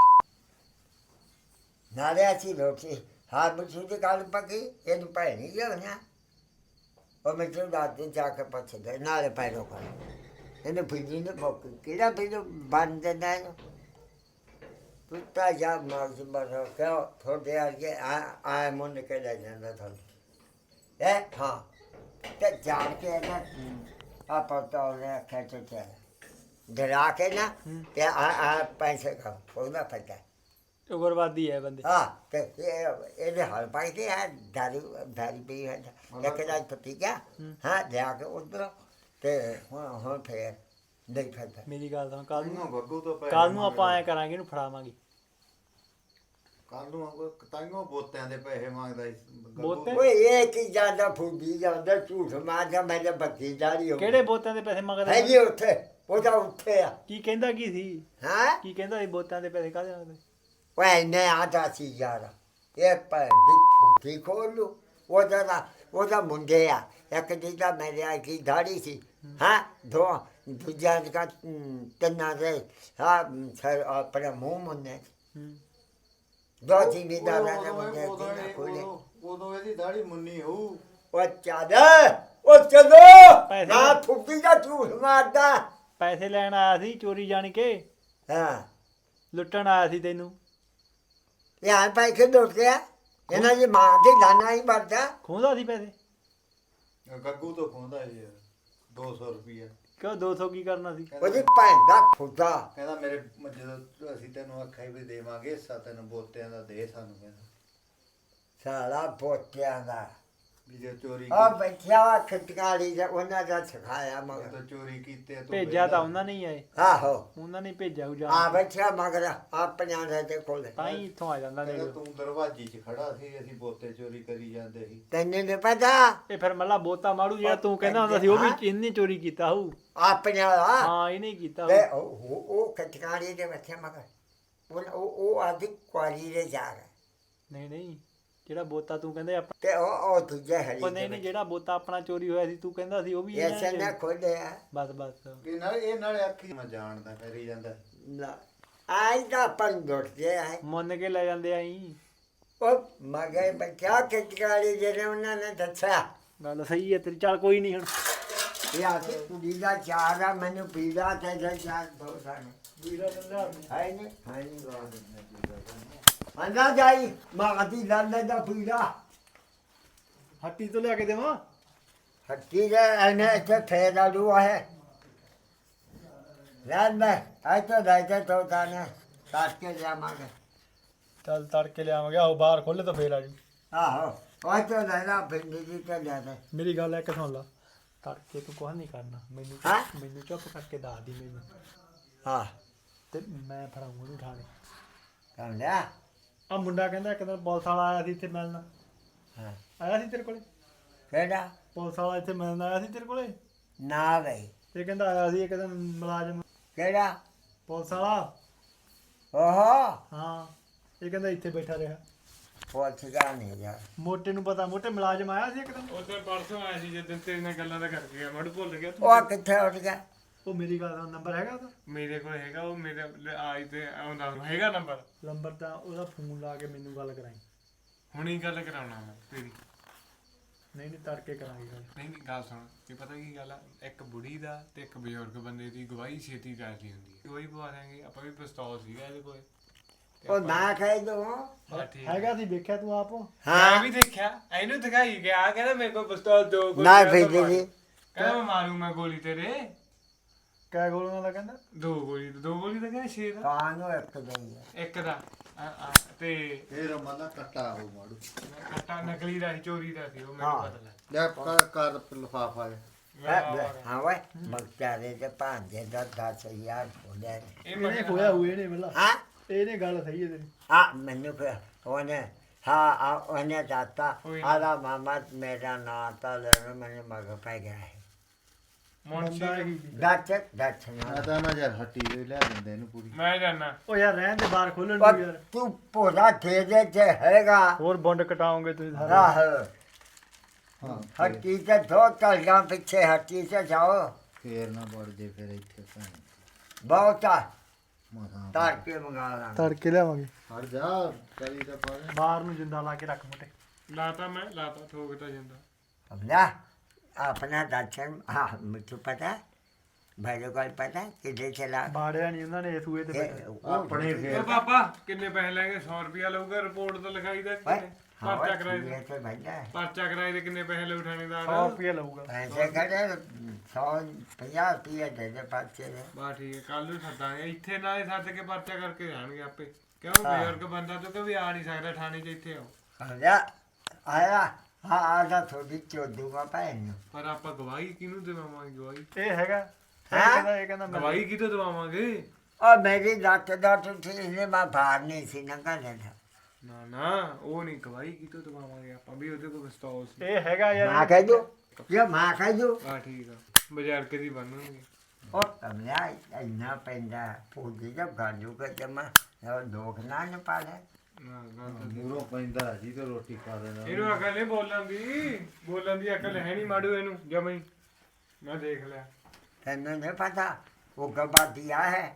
ਨਾਲੇ ਅਸੀਂ ਰੋਟੀ ਹਾਂ ਮਿੱਠੂ ਦੀ ਗੱਲ ਪੱਕੀ ਇਹਨੂੰ ਭੈਣੀ ਲਿਆਉਣਾ ਉਹ ਮਿੱਠੂ ਦਾਦੀ ਜਾ ਕੇ ਪੁੱਛਦੇ ਨਾਲੇ ਪੈਰੋ ਕਰ ਇਹਨੂੰ ਫਿੱਜੀ ਨੇ ਬੋਕ ਕਿਹੜਾ ਫਿੱਜੂ ਬੰਦ ਦਿੰਦਾ ਇਹਨੂੰ ਪੁੱਤਾ ਜਾ ਮਾਰ ਸੀ ਬਸ ਕਿਉਂ ਥੋੜੇ ਆ ਕੇ ਆ ਆ ਮੁੰਨ ਕੇ ਲੈ ਜਾਂਦਾ ਤੁਹਾਨੂੰ ਇਹ ਹਾਂ ਤੇ ਜਾਣ ਕੇ ਨਾ ਆਪਾਂ ਤਾਂ ਉਹਨੇ ਖੇਤ ਚ ਡਰਾ ਕੇ ਨਾ ਹੂੰ। ਤੇ ਆ ਆ ਪੈਸੇ ਕਾ ਫੋਨਾ ਪਤਾ ਉਗਰਵਾਦੀ ਹੈ ਬੰਦੇ ਹਾਂ ਤੇ ਇਹ ਇਹਦੇ ਹਲ ਪਾਈ ਤੇ ਹੈ ਦਾਰੂ ਦਾਰੂ ਪੀ ਹੈ ਇੱਕ ਦਾ ਪਤੀ ਗਿਆ ਹਾਂ ਲਿਆ ਕੇ ਉਧਰ ਤੇ ਹੁਣ ਹੁਣ ਫੇਰ ਨਹੀਂ ਫੇਰਦਾ ਮੇਰੀ ਗੱਲ ਸੁਣ ਕੱਲ ਤਾਈਓ ਨੂੰ ਗੱਗੂ ਤੋਂ ਪੈਸੇ ਕੱਲ ਨੂੰ ਆਪਾਂ ਮੰਗਦਾ। ਐ ਕਰਾਂਗੇ ਇਹਨੂੰ ਫੜਾਵਾਂਗੇ ਕੱਲ ਨੂੰ ਆਪਾਂ ਤਾਈਓ ਬੋਤਿਆਂ ਦੇ ਪੈਸੇ ਮੰਗਦਾ ਸੀ ਗੱਗੂ। ਬੋਤੇ? ਓਏ ਇਹ ਕੀ ਜਾਂਦਾ ਫੁੱਦੀ ਜਾਂਦਾ ਝੂਠ ਮਾਰਦਾ ਮੇਰੇ ਬੱਤੀ ਦਾੜੀ ਹੋ ਕਿਹੜੇ ਬੋਤਾਂ ਦੇ ਪੈਸੇ ਹੈ ਮੰਗਦਾ ਜੀ ਉੱਥੇ ਉਹਦਾ ਉੱਥੇ ਆ ਕੀ ਕਹਿੰਦਾ ਕੀ ਸੀ ਹਾਂ ਕੀ ਕਹਿੰਦਾ ਸੀ ਬੋਤਾਂ ਦੇ ਪੈਸੇ ਕਾਹਦੇ ਮੰਗਦੇ ਓਏ ਨੇ ਆਦਾ ਸੀ ਯਾਰ ਇਹ ਪਰ ਦੀ ਫੁੱਦੀ ਖੋਲੂ ਉਹਦਾ ਦਾ ਉਹਦਾ ਮੁੰਡੇ ਆ ਇੱਕ ਜਿਹਦਾ ਮੇਰੇ ਆ ਕੀ ਦਾੜੀ ਸੀ ਹਾਂ ਦੋ ਦੂਜਾ ਦਾ ਤਿੰਨਾਂ ਦੇ ਹਾਂ ਸਰ ਆਪਣੇ ਮੂੰਹ ਮੁੰਨੇ ਹੂੰ ਦੋ ਜ਼ਿਮੀਦਾਰਾਂ ਉਦੋਂ- ਦੇ ਮੁੰਡੇ ਉਦੋਂ- ਜਿਹਨਾਂ ਉਦੋਂ- ਕੋਲੇ ਉਦੋਂ ਇਹਦੀ ਦਾੜੀ ਮੁੰਨੀ ਹੋਊ ਉਹ ਚੱਲ ਉਹ ਚਲੋ ਪੈਸੇ ਨਾ ਫੁੱਦੀ ਦਾ ਝੂਠ ਮਾਰਦਾ ਪੈਸੇ ਲੈਣ ਆਇਆ ਸੀ ਚੋਰੀ ਜਾਣ ਕੇ ਹਾਂ ਲੁੱਟਣ ਆਇਆ ਸੀ ਤੈਨੂੰ ਯਾਰ ਪੈਸੇ ਲੁੱਟ ਗਿਆ ਇਹਨਾਂ ਦੀ ਮਾਂ ਦੇ ਦਾਣਾ ਹੀ ਵਰਦਾ ਖੋਹਦਾ ਸੀ ਪੈਸੇ ਗੱਗੂ ਤੋਂ ਖੋਂਦਾ ਸੀ ਦੋ ਸੌ ਰੁਪਈਆ ਕਿਉਂ ਦੋ ਸੌ ਕੀ ਕਰਨਾ ਸੀ ਉਹਦੀ ਭੈਣ ਦਾ ਖੁਦਾ ਕਹਿੰਦਾ ਮੇਰੇ ਜਦੋਂ ਅਸੀਂ ਤੈਨੂੰ ਆਖਿਆ ਵੀ ਦੇਵਾਂਗੇ ਹਿੱਸਾ ਤੈਨੂੰ ਬੋਤਿਆਂ ਦਾ ਦੇ ਸਾਨੂੰ ਕਹਿੰਦਾ ਸਾਲਾ ਪੋਤਿਆਂ ਦਾ ਵੀ ਜੇ ਚੋਰੀ ਆ ਕੀਤੀ ਬੈਠਿਆ ਵਾ ਖਟਕਾਲੀ ਦਾ ਉਹਨਾਂ ਦਾ ਸਿਖਾਇਆ ਮਗਰ ਜਦੋਂ ਚੋਰੀ ਕੀਤੇ ਤੂੰ ਭੇਜਿਆ ਤਾਂ ਵਿਹਲਾ। ਉਹਨਾਂ ਨੇ ਹੀ ਆਏ ਆਹੋ ਉਹਨਾਂ ਨੇ ਭੇਜਿਆ ਉਹ ਆ ਜਾਣ ਬੈਠਿਆ ਮਗਰ ਆਪਣਿਆਂ ਦੇ ਤੇ ਕੋਲ ਤਾਂ ਹੀ ਇੱਥੋਂ ਆ ਜਾਂਦਾ ਕਹਿੰਦਾ ਨੇੜੇ ਤੂੰ ਦਰਵਾਜ਼ੇ 'ਚ ਖੜਾ ਸੀ ਅਸੀਂ ਬੋਤੇ ਚੋਰੀ ਕਰੀ ਜਾਂਦੇ ਸੀ ਤੈਨੂੰ ਨੀ ਪਤਾ ਇਹ ਫਿਰ ਮੱਲਾ ਬੋਤਾ ਮਾਰੂ ਜਿਹੜਾ ਤੂੰ ਕਹਿੰਦਾ ਹੁੰਦਾ ਸੀ ਉਹ ਵੀ ਇਹਨੇ ਚੋਰੀ ਕੀਤਾ ਹੋਊ ਆਪਣਿਆਂ ਦਾ ਹਾਂ ਇਹਨੇ ਹੀ ਕੀਤਾ ਤੇ ਹੋਊ ਉਹ ਉਹ- ਉਹ ਖਟਕਾਲੀ ਦੇ ਬੱਚੇ ਮਗਰ ਉਹ ਉਹ ਉਹ ਆਦੀ ਕੁਆਰੀ ਦੇ ਜਾ ਰਿਹਾ ਨਹੀਂ ਨਹੀਂ ਜਿਹੜਾ ਬੋਤਾ ਤੂੰ ਕਹਿੰਦੇ ਆਪਾਂ ਤੇ ਉਹ ਉਹ ਦੂਜੇ ਹਰੀ ਉਹ ਨਹੀਂ ਨਹੀਂ ਜਿਹੜਾ ਬੋਤਾ ਆਪਣਾ ਚੋਰੀ ਹੋਇਆ ਸੀ ਤੂੰ ਕਹਿੰਦਾ ਸੀ ਉਹ ਵੀ ਇਹਨਾਂ ਐਸੇ ਨੇ- ਨਾ ਖੋਲਿਆ ਬਸ ਬਸ ਇਹ ਨਾਲ ਇਹ ਨਾਲੇ ਆਖੀ ਮੈਂ ਜਾਣਦਾ ਕਰੀ ਜਾਂਦਾ ਨਾ ਆਈ ਦਾ ਪੰਡੋਟ ਜੇ ਹੈ ਮੁੰਨ ਕੇ ਲੈ ਜਾਂਦੇ ਆਈ ਉਹ ਮਗੇ ਬੱਚਾ ਖਟਕਾਲੀ ਜਿਹੜੇ ਉਹਨਾਂ ਨੇ ਦੱਸਿਆ ਗੱਲ ਸਹੀ ਹੈ ਤੇਰੀ ਚੱਲ ਕੋਈ ਨਹੀਂ ਹੁਣ ਇਹ ਆਦੀ ਕੁੜੀ ਦਾ ਚਾਰ ਆ ਮੈਨੂੰ ਪੀੜਾ ਤੇ ਜੇ ਚਾਰ ਦੋ ਸਾਨੇ ਵੀਰਾ ਬੰਦਾ ਹੈ ਨਹੀਂ ਹੈ ਨਹੀਂ ਅੰਦਾ ਜਾਈ ਮਾਗਦੀ ਲੰਨੇ ਦਾ ਪੀੜਾ ਹੱਟੀ ਤੋਂ ਲਿਆ ਕੇ ਦੇਵਾਂ ਹੱਟੀ ਦੇ ਇਹਨੇ ਇੱਥੇ ਫੇਰਾ ਲੂਆ ਹੈ ਲੈਣ ਮੈਂ ਆਇ ਤਾਂ ਦਾਇਤੇ ਤੋਂ ਤਾਨੇ ਕਾਟ ਕੇ ਜਾਵਾਂਗੇ ਚੱਲ ਤੜਕੇ ਲਿਆਵਾਂਗੇ ਆਓ ਬਾਹਰ ਖੋਲੇ ਤਾਂ ਫੇਰ ਆ ਜੂ ਆਹੋ ਉਹ ਤਾਂ ਲੈਣਾ ਪਿੰਡੀ ਦੀ ਤੇ ਲੈਣਾ ਮੇਰੀ ਗੱਲ ਇੱਕ ਸੁਣ ਲਾ ਤੜਕੇ ਤੂੰ ਕੁਝ ਨਹੀਂ ਕਰਨਾ ਮੈਨੂੰ ਹੈਂ? ਮੈਨੂੰ ਚੁੱਪ ਕਰਕੇ ਦੱਸ ਦੀ ਮੈਨੂੰ ਹਾਂ ਤੇ ਮੈਂ ਫੜਾਉਂਗਾ ਉਹਨੂੰ ਠਾਣੇ ਕਹਿੰਦਾ ਆ ਮੁੰਡਾ ਕਹਿੰਦਾ ਇੱਕ ਦਿਨ ਪੁਲਿਸ ਵਾਲਾ ਆਇਆ ਸੀ ਇੱਥੇ ਮਿਲਣ ਹਾਂ ਆਇਆ ਸੀ ਤੇਰੇ ਕੋਲੇ ਕਿਹੜਾ ਪੁਲਿਸ ਵਾਲਾ ਇੱਥੇ ਮਿਲਣ ਆਇਆ ਸੀ ਤੇਰੇ ਕੋਲੇ ਨਾ ਬਈ ਇਹ ਕਹਿੰਦਾ ਆਇਆ ਸੀ ਇੱਕ ਦਿਨ ਮੁਲਾਜ਼ਮ ਕਿਹੜਾ ਪੁਲਿਸ ਵਾਲਾ ਓਹੋ ਹਾਂ ਇਹ ਕਹਿੰਦਾ ਇੱਥੇ ਬੈਠਾ ਰਿਹਾ ਪੁੱਛ ਗਾ ਨਹੀਂ ਯਾਰ ਮੋਟੇ ਨੂੰ ਪਤਾ ਮੋਟੇ ਮੁਲਾਜ਼ਮ ਆਇਆ ਸੀ ਇੱਕ ਦਿਨ ਉਧਰ ਪਰਸੋਂ ਆਇਆ ਸੀ ਜਦੋਂ ਤੇਰੇ ਨਾਲ ਗੱਲਾਂ ਦਾ ਕਰ ਗਿਆ ਮੜ ਭੁੱਲ ਗਿਆ ਤੂੰ ਉਹ ਕਿੱਥੇ ਉੱਠ ਗਿਆ ਉਹ ਮੇਰੀ ਗੱਲ ਦਾ ਨੰਬਰ ਹੈਗਾ ਉਹਦਾ ਮੇਰੇ ਕੋਲ ਹੈਗਾ ਉਹ ਮੇਰੇ ਲ- ਆਈ ਤੇ ਆਉਂਦਾ ਹੈਗਾ ਨੰਬਰ ਨੰਬਰ ਤਾਂ ਉਹਦਾ ਫੋਨ ਲਾ ਕੇ ਮੈਨੂੰ ਗੱਲ ਕਰਾਈ ਹੁਣੀ ਗੱਲ ਕਰਾਉਣਾ ਮੈਂ ਤੇਰੀ ਨਹੀਂ ਨਹੀਂ ਤੜਕੇ ਕਰਾਂਗੇ ਗੱਲ ਨਹੀਂ ਨਹੀਂ ਗੱਲ ਸੁਣ ਕੀ ਪਤਾ ਕੀ ਗੱਲ ਆ ਇੱਕ ਬੁੜੀ ਦਾ ਤੇ ਇੱਕ ਬਜ਼ੁਰਗ ਬੰਦੇ ਦੀ ਗਵਾਹੀ ਛੇਤੀ ਕਰਦੀ ਹੁੰਦੀ ਹੈ ਗਵਾਹੀ ਪਵਾ ਦਾਂਗੇ ਆਪਾਂ ਵੀ ਪਿਸਤੌਲ ਸੀਗਾ ਇਹਦੇ ਕੋਲ ਤੇ ਉਹ ਆਪਾਂ- ਨਾ ਖਾਈ ਦੋ ਹਾਂ, ਠੀਕ ਹੈ। ਹੈਗਾ ਸੀ ਵੇਖਿਆ ਤੂੰ ਆਪ ਮੈਂ ਹਾਂ ਵੀ ਦੇਖਿਆ ਇਹਨੂੰ ਦਿਖਾਈ ਗਿਆ ਕਹਿੰਦਾ ਮੇਰੇ ਕੋਲ ਪਿਸਤੌਲ ਦੋ ਗੋਲੀਆਂ ਨਾ ਤੋਂ ਭੇਜੀ ਮਾਰੂ। ਜੀ ਕਹਿੰਦਾ ਮੈਂ ਮਾਰੂ ਮੈਂ ਗੋਲੀ ਤੇਰੇ ਕਿਆ ਗੋਲੀਆਂ ਦਾ ਕਹਿੰਦਾ ਦੋ ਗੋਲੀ ਦੋ ਗੋਲੀ ਤਾਂ ਕਹਿੰਦਾ ਛੇ ਦਾ ਕਾਨੂੰ ਇੱਕ ਦਈ ਹੈ ਇੱਕ ਦਾ ਆ, ਆ, ਤੇ ਫੇਰ ਮਨਾ ਕੱਟਾ ਹੋ ਮਾੜੂ ਕੱਟਾ ਨਕਲੀ ਦਾ ਸੀ, ਚੋਰੀ ਦਾ ਸੀ ਉਹ ਹਾਂ। ਮੈਨੂੰ ਪਤਾ ਲੱਗ ਲੈ ਕਰ ਕਰ ਲਫਾਫਾ ਗਿਆ ਹਾਂ ਵੇ ਬਖਤਾਰੇ ਦੇ ਭਾਂਜੇ ਦਾ ਦਸ ਹਜ਼ਾਰ ਬੋਲਿਆ ਇਹ ਇਹਨੇ ਮੈਂ ਖੋਇਆ ਹੋਏ ਨੇ ਮੱਲਾ ਹਾਂ ਇਹਨੇ ਗੱਲ ਸਹੀ ਹੈ ਤੇਰੀ ਆ ਮੈਨੂੰ ਫਿਰ ਉਹਨੇ ਹਾਂ ਆ ਉਹਨੇ ਦਾਤਾ ਕੋਈ ਨਾ। ਆਦਾ ਮਾਮਾ ਮੇਰਾ ਨਾਂ ਤਾਂ ਲੈਣ ਮੈਨੂੰ ਮਗ ਪੈ ਗਿਆ ਹੈ ਮੁਨਸ਼ੀ ਬੰਦਾ ਇਹੀ ਸੀ। ਦੱਸ ਦੱਸ ਮੈਂ ਨਾ ਤਾਂ ਮੈਂ ਯਾਰ ਹੱਟੀ ਦੇ ਲਿਆ ਦਿੰਦੇ ਇਹਨੂੰ ਪੂਰੀ ਮੈਂ ਜਾਣਾ ਉਹ ਯਾਰ ਰਹਿਣ ਦੇ ਬਾਹਰ ਖੋਲਣ ਪਰ ਨੂੰ ਯਾਰ ਤੂੰ ਪੋਦਾ ਦੇ ਦੇ ਤੇ ਹੈਗਾ ਹੋਰ ਬੁੰਡ ਕਟਾਉਂਗੇ ਤੁਸੀਂ ਸਾਰੇ ਰਾਹ ਹਾਂ ਹੱਟੀ ਤੇ ਦੋ ਤਲਗਾਂ ਪਿੱਛੇ ਹੱਟੀ ਤੇ ਜਾਓ ਫੇਰ ਨਾ ਵੜ ਜੇ ਫਿਰ ਇੱਥੇ ਭੈਣ ਬਹੁਤਾ ਮਸਾਂ ਤਾਰ ਕੇ ਮੰਗਾ ਲਾਂ ਤੜਕੇ ਲਿਆਵਾਂਗੇ ਹਟ ਜਾ ਕਰੀ ਤਾਂ ਪਾ ਦੇ ਬਾਹਰ ਨੂੰ ਜਿੰਦਾ ਲਾ ਕੇ ਰੱਖ ਮੋਟੇ ਲਾਤਾ ਮੈਂ ਲਾਤਾ ਠੋਕਦਾ ਜਾਂਦਾ ਹਮਲਾ ਆਪਣਾ ਦਰਸ਼ਨ ਹਾਂ ਮੈਨੂੰ ਪਤਾ ਭਾਈ ਕੋਲ ਪਤਾ ਕਿੱਥੇ ਚਲਾ ਬਾੜਿਆ ਨਹੀਂ ਉਹਨਾਂ ਨੇ ਸੂਏ ਤੇ ਇਹ ਬੈਠੇ ਉਹ ਆਪਣੇ ਓ ਫੇਰ ਪਾਪਾ ਕਿੰਨੇ ਪੈਸੇ ਲੈਣਗੇ ਸੌ ਰੁਪਿਆ ਲਊਗਾ ਰਿਪੋਰਟ ਤਾਂ ਲਿਖਾਈ ਦਾ ਓਏ, ਕਿੰਨੇ ਪਰਚਾ ਕਰਾਏ ਇਹ ਤੇ ਭੱਜਾ ਪਰਚਾ ਕਰਾਏ ਦੇ ਕਿੰਨੇ ਪੈਸੇ ਲਊ ਥਾਣੇਦਾਰ ਸੌ ਰੁਪਏ ਲਊਗਾ ਪੈਸੇ ਖੜੇ ਸੌ ਪੰਜਾਹ ਰੁਪਏ ਦੇ ਦੇ ਪਰਚੇ ਦੇ ਬਾ ਠੀਕ ਹੈ ਕੱਲ ਨੂੰ ਸੱਦਾਂਗੇ ਇੱਥੇ ਨਾਲੇ ਸੱਦ ਕੇ ਪਰਚਾ ਕਰਕੇ ਜਾਣਗੇ ਆਪੇ ਕਿਉਂ ਹਾਂ। ਬਜ਼ੁਰਗ ਬੰਦਾ ਤੂੰ ਕਿ ਵੀ ਆ ਨਹੀਂ ਸਕਦਾ ਥਾਣੇ 'ਚ ਇੱਥੇ ਆਓ ਆਇਆ ਆਇਆ ਹਾਂ ਆਦਾ ਥੋੜੀ ਚੋਦੂਗਾ ਭੈਣ ਨੂੰ ਪਰ ਆਪਾਂ ਗਵਾਹੀ ਕਿਹਨੂੰ ਦੇਵਾਂਗੇ ਗਵਾਹੀ ਇਹ ਹੈਗਾ ਇਹ ਹੈਂ? ਕਹਿੰਦਾ ਇਹ ਕਹਿੰਦਾ ਮੈਂ ਗਵਾਹੀ ਕਿਹਤੋਂ ਦਵਾਵਾਂਗੇ ਉਹ ਮੇਰੀ ਲੱਤ ਦਾ ਟੁੱਟੀ ਨੇ ਮੈਂ ਬਾਹਰ ਨਹੀਂ ਸੀ ਨੰਗਾ ਲੈਣਾ ਨਾ ਨਾ ਉਹ ਨਹੀਂ ਗਵਾਹੀ ਕਿਹਤੋਂ ਦਵਾਵਾਂਗੇ ਆਪਾਂ ਵੀ ਉਹਦੇ ਕੋਲ ਪਿਸਤੌਲ ਸੀ ਇਹ ਹੈਗਾ ਮਾਂ ਯਾਰ ਕਹਿ ਦੋ ਜੇ ਮਾਂ ਕਹਿ ਦੋ ਆ ਠੀਕ ਆ ਬਜ਼ੁਰਗ ਦੀ ਬਣਨਗੇ ਉਹ ਕਮਲਾ ਇੰਨਾ ਪੈਂਦਾ ਪੂਜੀ ਦਾ ਗਾਜੂ ਕੇ ਜਮਾ ਉਹ ਲੋਕ ਨਾ ਨ ਪਾਲੇ ਨਾ ਗੱਲ ਤਾਂ ਠੀਕ। ਮੂਰੋਂ ਪੈਂਦਾ ਜੀ ਤੇ ਰੋਟੀ ਖਾ ਲੈਣਾ ਇਹਨੂੰ ਅਕਲ ਨਹੀਂ ਬੋਲਣ ਦੀ ਬੋਲਣ ਦੀ ਅਕਲ ਹੈ ਨਹੀਂ ਮਾੜੂ ਇਹਨੂੰ ਜਮਈ ਮੈਂ ਦੇਖ ਲਿਆ ਤੈਨੂੰ ਨਹੀਂ ਪਤਾ ਉਹ ਗਬਾਦੀਆ ਹੈ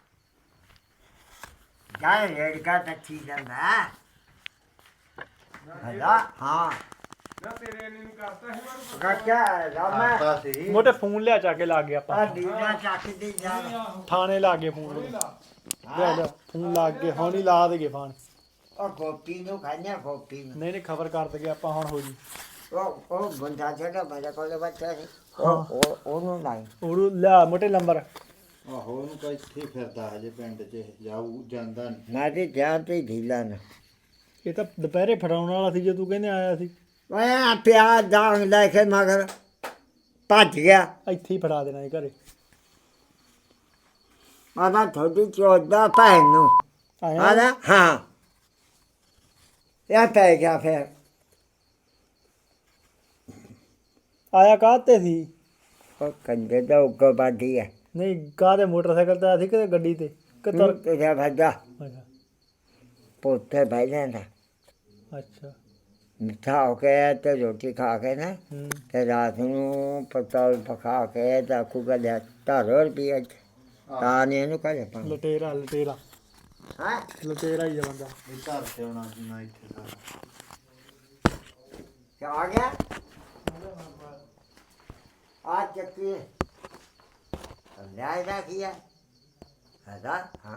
ਜਾਏ ਲੜਕਾ ਤੱਕੀ ਜਾਂਦਾ ਹਲਾ ਹਾਂ ਨਾ ਤੇਰੇ ਨੇ ਨਹੀਂ ਕਰਤਾ ਹੈ ਮਾਰੂ ਕਾਕਾ ਰਾਮਾ ਆਤਾ ਸੀ ਮੋਟੇ ਫੋਨ ਲਿਆ ਚਾ ਕੇ ਲਾ ਗਏ ਆ ਆਪਾਂ ਦੀਨਾ ਚੱਕਦੀ ਜਾ ਥਾਣੇ ਲਾ ਗਏ ਫੋਨ ਲੈ ਲੈ ਫੋਨ ਲਾ ਕੇ ਹੁਣ ਹੀ ਲਾ ਦੇਗੇ ਫੋਨ ਉਹ ਗੋਪੀ ਨੂੰ ਖਾਣਿਆ ਗੋਪੀ ਨੂੰ ਨਹੀਂ ਨਹੀਂ ਖਬਰ ਕਰ ਦਗੇ ਆਪਾਂ ਹੁਣ ਹੋ ਜੀ ਉਹ ਉਹ ਬੰਦਾ ਜਿਹੜਾ ਮੇਰੇ ਕੋਲ ਬੱਚਾ ਸੀ ਉਹ ਉਹ ਉਹਨੂੰ ਨਹੀਂ ਉਹਨੂੰ ਲਿਆ ਮੋਟੇ ਨੰਬਰ ਆਹੋ ਉਹਨੂੰ ਤਾਂ ਇੱਥੇ ਹੀ ਫਿਰਦਾ ਹਜੇ ਪਿੰਡ 'ਚ ਜਾਊ ਜਾਂਦਾ ਨੀ। ਮੈਂ ਤੇ ਜਾਨ ਤੇ ਢੀਲਾ ਨਾ ਇਹ ਤਾਂ ਦੁਪਹਿਰੇ ਫੜਾਉਣ ਵਾਲਾ ਸੀ ਜੇ ਤੂੰ ਕਹਿੰਦੇ ਆਇਆ ਸੀ ਮੈਂ ਪਿਆਜ਼ ਦਾਂਗ ਲੈ ਕੇ ਮਗਰ ਭੱਜ ਗਿਆ ਇੱਥੇ ਹੀ ਫੜਾ ਦੇਣਾ ਇਹ ਘਰੇ ਮਾਮਾ ਥੋੜੀ ਚੋਦਾ ਭੈਣ ਨੂੰ ਆਇਆ ਆਦਾ ਹਾਂ ਇਹ ਪੈ ਗਿਆ ਫਿਰ ਆਇਆ ਕਾਹਤੇ ਸੀ ਉਹ ਕੰਦੇ ਦਾ ਉੱਗੋ ਬਾਦੀ ਹੈ ਨਹੀਂ ਕਾਹਦੇ ਮੋਟਰਸਾਈਕਲ ਤੇ ਆਇਆ ਸੀ ਕਿ ਗੱਡੀ ਤੇ ਕਿ ਤੁਰ ਤੇਰਾ ਭੱਜਾ ਅੱਛਾ ਪੋਤੇ ਭਾਈ ਲੈਂਦਾ ਅੱਛਾ ਮਿੱਠਾ ਹੋ ਕੇ ਤੇ ਰੋਟੀ ਖਾ ਕੇ ਨਾ ਹੂੰ ਤੇ ਰਾਤ ਨੂੰ ਪਤਲ ਪਕਾ ਕੇ ਤਾਂ ਕੁਗਾ ਲਿਆ ਤਾਰੋਰ ਵੀ ਅੱਜ ਤਾਂ ਨੇ ਇਹਨੂੰ ਕਹੇ ਪਾ ਲਟੇਰਾ ਲਟੇਰਾ ਹਾਂ ਲਟੇਰਾ ਹੀ ਆ ਬੰਦਾ ਇਹ ਘਰ ਤੇ ਆਉਣਾ ਸੀ ਨਾ ਇੱਥੇ ਸਾਰਾ क्या आ गया आज चक्की न्याय किया हजार हाँ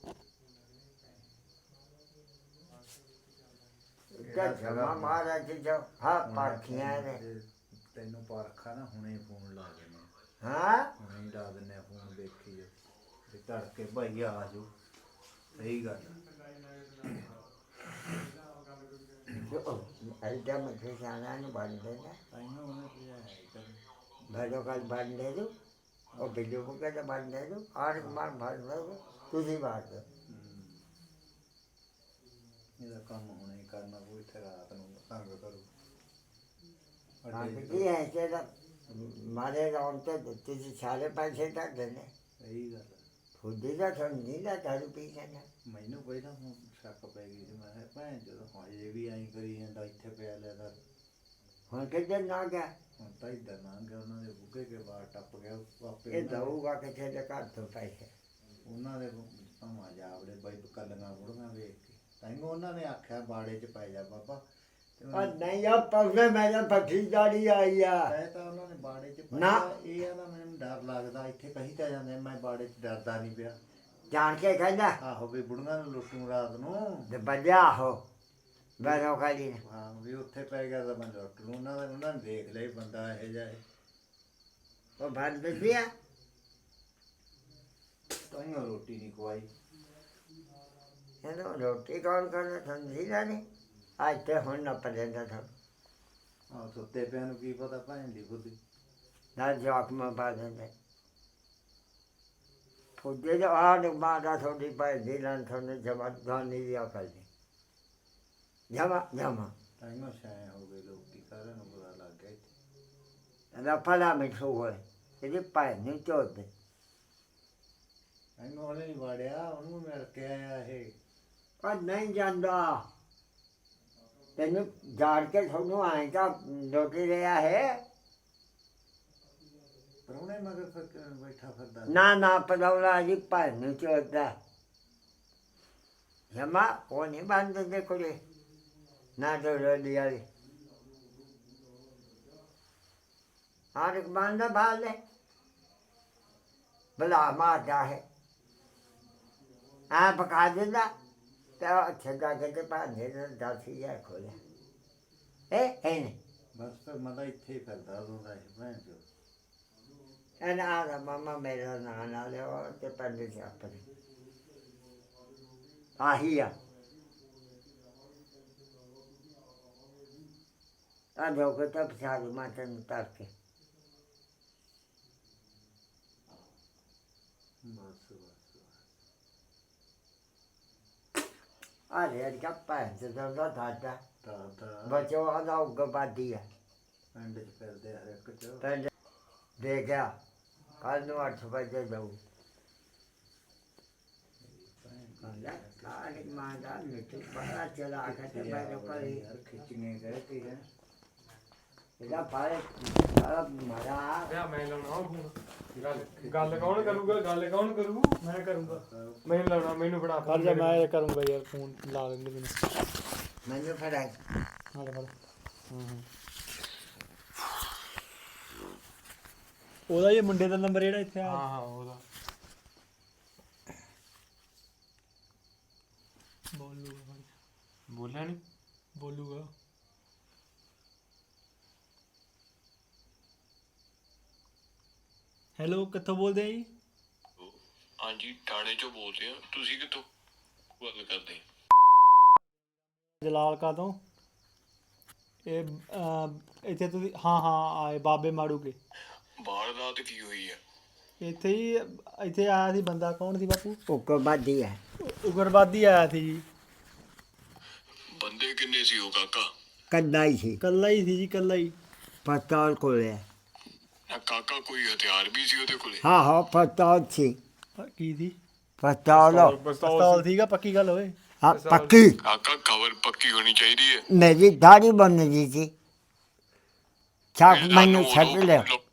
क्या जमा मारा जी जो हाँ पाखियाँ ने ਤੈਨੂੰ ਪਾਰਖਾ ਨਾ ਹੁਣੇ ਫੋਨ ਲਾ ਦੇਣੇ हाँ ਹੁਣੇ ਹੀ ਲਾ ਦਿੰਦੇ ਆ ਫੋਨ ਦੇਖੀ ਜੋ ਤੇ ਤੜਕੇ ਭਾਈ ਆ ਜਾਓ ਸਹੀ ਗੱਲ ਆ। ऐसा मुझे जाना नहीं बंद देना ਤਾਈਓ ਉਹਨੇ ਕਿਹਾ ਹੈ ਚੱਲ भैरो कल बंद दे दो और बिल्लू को कहते बंद दे दो और मार बंद दे दो तुझी बात है ਇਹਦਾ ਕੰਮ ਹੁਣੇ ਹੀ ਕਰਨਾ ਕੋਈ ਇੱਥੇ ਰਾਤ ਨੂੰ ਤੰਗ ਕਰੂ बाकी की है ऐसे मारे राउंड तो तुझे सारे पैसे तक देने ਸਹੀ ਗੱਲ ਆ। खुदी का थोड़ा नीला दारू पी जाना ਮੈਨੂੰ ਪਹਿਲਾਂ ਹੁਣ ਸ਼ੱਕ ਪੈ ਗਈ ਸੀ ਮੈਂ ਕਿਹਾ ਭੈਣ ਜਦੋਂ ਹਜੇ ਵੀ ਐਂ ਕਰੀ ਜਾਂਦਾ ਇੱਥੇ ਪਿਆ ਲਿਆ ਕਰ ਹੁਣ ਕਿੱਧਰ ਨਾ ਗਿਆ ਹੁਣ ਤਾਂ ਇੱਧਰ ਲੰਘ ਗਿਆ ਉਹਨਾਂ ਦੇ ਬੁੱਗੇ ਕੇ ਬਾਹਰ ਟੱਪ ਗਿਆ ਉਹ ਆਪੇ ਇਹ ਉਹਨਾਂ ਦੇ- ਦਊਗਾ ਕਿੱਥੇ ਦੇ ਘਰ ਤੋਂ ਪੈਸੇ ਉਹਨਾਂ ਦੇ ਭਾਵਾਂ ਜਾਵੜੇ ਬਾਈ ਕੱਲੀਆਂ ਬੁੜੀਆਂ ਵੇਖ ਕੇ ਤਾਈਓ ਉਹਨਾਂ ਨੇ ਆਖਿਆ ਬਾੜੇ 'ਚ ਪੈ ਜਾ ਬਾਬਾ ਤੇ और ਮੈਂ नहीं अब पगले मेरे पठी दाढ़ी आई है ਕਹਿ ਤਾਂ ਉਹਨਾਂ ਨੇ ਬਾੜੇ 'ਚ ਪੈ ਨਾ। ਜਾ ਇਹ ਆਦਾ ਮੈਨੂੰ ਡਰ ਲੱਗਦਾ ਇੱਥੇ ਕਹੀ ਤਾਂ ਜਾਂਦੇ ਮੈਂ ਬਾੜੇ 'ਚ ਡਰਦਾ ਨਹੀਂ ਪਿਆ जान के कहना ਆਹੋ ਵੀ ਬੁੜੀਆਂ ਨੂੰ ਲੁੱਟੂ ਰਾਤ ਨੂੰ तो बजा हो बैरो का दिन ਹਾਂ ਵੀ ਉੱਥੇ ਪੈ ਗਿਆ ਤਾਂ ਮੈਂ ਲੁੱਟ ਲੂੰ ਉਹਨਾਂ ਨੇ ਉਹਨਾਂ ਨੇ ਦੇਖ ਲਿਆ ਵੀ ਬੰਦਾ ਇਹੋ ਜਿਹਾ ਹੈ वो भात बच गया ਤਾਈਓ ਰੋਟੀ ਨਹੀਂ ਖਵਾਈ ये तो रोटी कौन करना समझी ना नहीं आज तो हूँ न पड़ेगा था ਆਹ ਸੁੱਤੇ ਪਿਆ ਨੂੰ ਕੀ ਪਤਾ ਭੈਣ ਦੀ ਬੁੱਧੀ ना जॉक में पा देंगे फुटे जो आठ मारा थोड़ी पाई दिलन थोड़ी जमा धानी दिया कर दी जमा जमा ਤਾਈਓ ਛਾਏ ਹੋ ਗਏ ਲੋਕੀ ਸਾਰਿਆਂ ਨੂੰ ਬੁਰਾ ਲੱਗ ਗਿਆ ਇੱਥੇ ना फला मिठू हुए यदि पाए नहीं चोते ਤਾਈਓ ਉਹਨੇ ਨਹੀਂ ਵਾੜਿਆ ਉਹਨੂੰ ਮਿਲ ਕੇ ਆਇਆ ਇਹ पर नहीं जानता तेन जान के थोनू आए का रोटी लिया है ਪਰਉਣੇ ਮਗਰ ਫਿਰ ਬੈਠਾ ਫਿਰਦਾ ना ना पलौला जी पाए नहीं चोता जमा वो नहीं बांध दे कुड़ी ना तो रोटी वाली और एक बांधा बाल है भला मारता है आ पका देना तो अच्छा जाके तो पानी दस ही है खोले ਇਹ ਇਹ ਨਹੀਂ ਬਸ ਫਿਰ ਮੈਂ ਤਾਂ ਇੱਥੇ ਹੀ ਫਿਰਦਾ ਹੁੰਦਾ ਸੀ ਭੈਣ ਚੋ ਇਹਨਾਂ ਆਦਾ ਮਾਮਾ ਮੇਰਾ ਨਾਂ ਨਾ ਲਿਓ ਤੇ ਪਿੰਡ ਚ ਆਪਣੇ ਆਹੀ ਆ ਆ ਜੋ ਕਿ ਤਾਂ ਪਛਾਣ ਮਾਤਨ ਤੱਕ ਕੇ ਬਸ ਬਸ ਆ ਰੇ ਅੱਜ ਕੱਪਾ ਤੇ ਦਰਦਾ ਥਾਟਾ ਤਾਂ ਤਾਂ ਬਚੋ ਆਦਾ ਉਗਬਾਦੀ ਆ ਪਿੰਡ ਚ ਫਿਰਦੇ ਹਰ ਇੱਕ ਚ ਪਿੰਡ ਦੇ ਗਿਆ ਕੱਲ ਨੂੰ ਅੱਠ ਵਜੇ ਜਾਊ ਕੱਲ ਕਾਲੀ ਮਾਂ ਦਾ ਮਿੱਟੀ ਪੜਾ ਚਲਾ ਕੇ ਤੇ ਮੈਂ ਕਰੀ ਯਾਰ ਖਿੱਚਣੇ ਗਏ ਕਿ ਹੈ ਇਹਦਾ ਪਾਏ ਸਾਰਾ ਮਾਰਾ ਵਿਆਹ ਮੈਂ ਲਾਉਣਾ ਉਹ ਫੋਨ ਗੱਲ ਗੱਲ ਕੌਣ ਕਰੂਗਾ ਗੱਲ ਕੌਣ ਕਰੂ ਮੈਂ ਕਰੂੰਗਾ ਮੈਨੂੰ ਲਾਉਣਾ ਮੈਨੂੰ ਫੜਾ ਕਰ ਜਾ ਮੈਂ ਕਰੂੰਗਾ ਯਾਰ ਫੋਨ ਲਾ ਲੈਂਦੇ ਮੈਨੂੰ ਮੈਨੂੰ ਫੜਾਈ ਹਾਂ ਹਾਂ ਹਾਂ ਉਹਦਾ ਇਹ ਮੁੰਡੇ ਦਾ ਨੰਬਰ ਜਿਹੜਾ ਇੱਥੇ ਆ ਹਾਂ ਹਾਂ ਉਹਦਾ ਬੋਲੂਗਾ ਬੋਲਿਆ ਨਹੀਂ ਬੋਲੂਗਾ ਹੈਲੋ ਕਿੱਥੋਂ ਬੋਲਦੇ ਆ ਜੀ ਹਾਂਜੀ ਥਾਣੇ ਚੋਂ ਬੋਲਦੇ ਆ ਤੁਸੀਂ ਕਿੱਥੋਂ ਗੱਲ ਕਰਦੇ ਜਲਾਲ ਕਾ ਤੋਂ ਇਹ ਅਹ, ਇੱਥੇ ਤੁਸੀਂ ਹਾਂ ਹਾਂ ਆਏ ਬਾਬੇ ਮਾੜੂ ਕੇ ਬਾਹਰ ਰਾਤ ਕੀ ਹੋਈ ਆ ਇੱਥੇ ਹੀ ਇੱਥੇ ਆਇਆ ਸੀ ਬੰਦਾ ਕੌਣ ਸੀ ਬਾਪੂ ਉਗਬਾਦੀ ਹੈ ਉਗਰਵਾਦੀ ਆਇਆ ਸੀ ਜੀ ਬੰਦੇ ਕਿੰਨੇ ਸੀ ਉਹ ਕਾਕਾ ਕੱਲਾ ਹੀ ਸੀ ਕੱਲਾ ਹੀ ਸੀ ਜੀ ਕੱਲਾ ਹੀ ਪਸਤੌਲ ਕੋਲੇ ਨਾ ਕਾਕਾ ਕੋਈ ਹਥਿਆਰ ਵੀ ਸੀ ਉਹਦੇ ਕੋਲੇ ਹਾਂ ਹਾਂ ਪਸਤੌਲ ਸੀ ਅਹ, ਕੀ ਸੀ ਪਸਤੌਲ ਪਿਸਤੌਲ ਸੀਗਾ ਪੱਕੀ ਗੱਲ ਹੋਏ ਹਾਂ ਪੱਕੀ ਕਾਕਾ ਖਬਰ ਪੱਕੀ ਹੋਣੀ ਚਾਹੀਦੀ ਹੈ ਮੇਰੀ ਦਾੜੀ ਬਣ ਗਈ ਸੀ ਛਾਪ ਇਹ ਮੈਨੂੰ ਸਾਨੂੰ ਛੱਡ ਉਦੋਂ ਲਿਆ ਲੋ-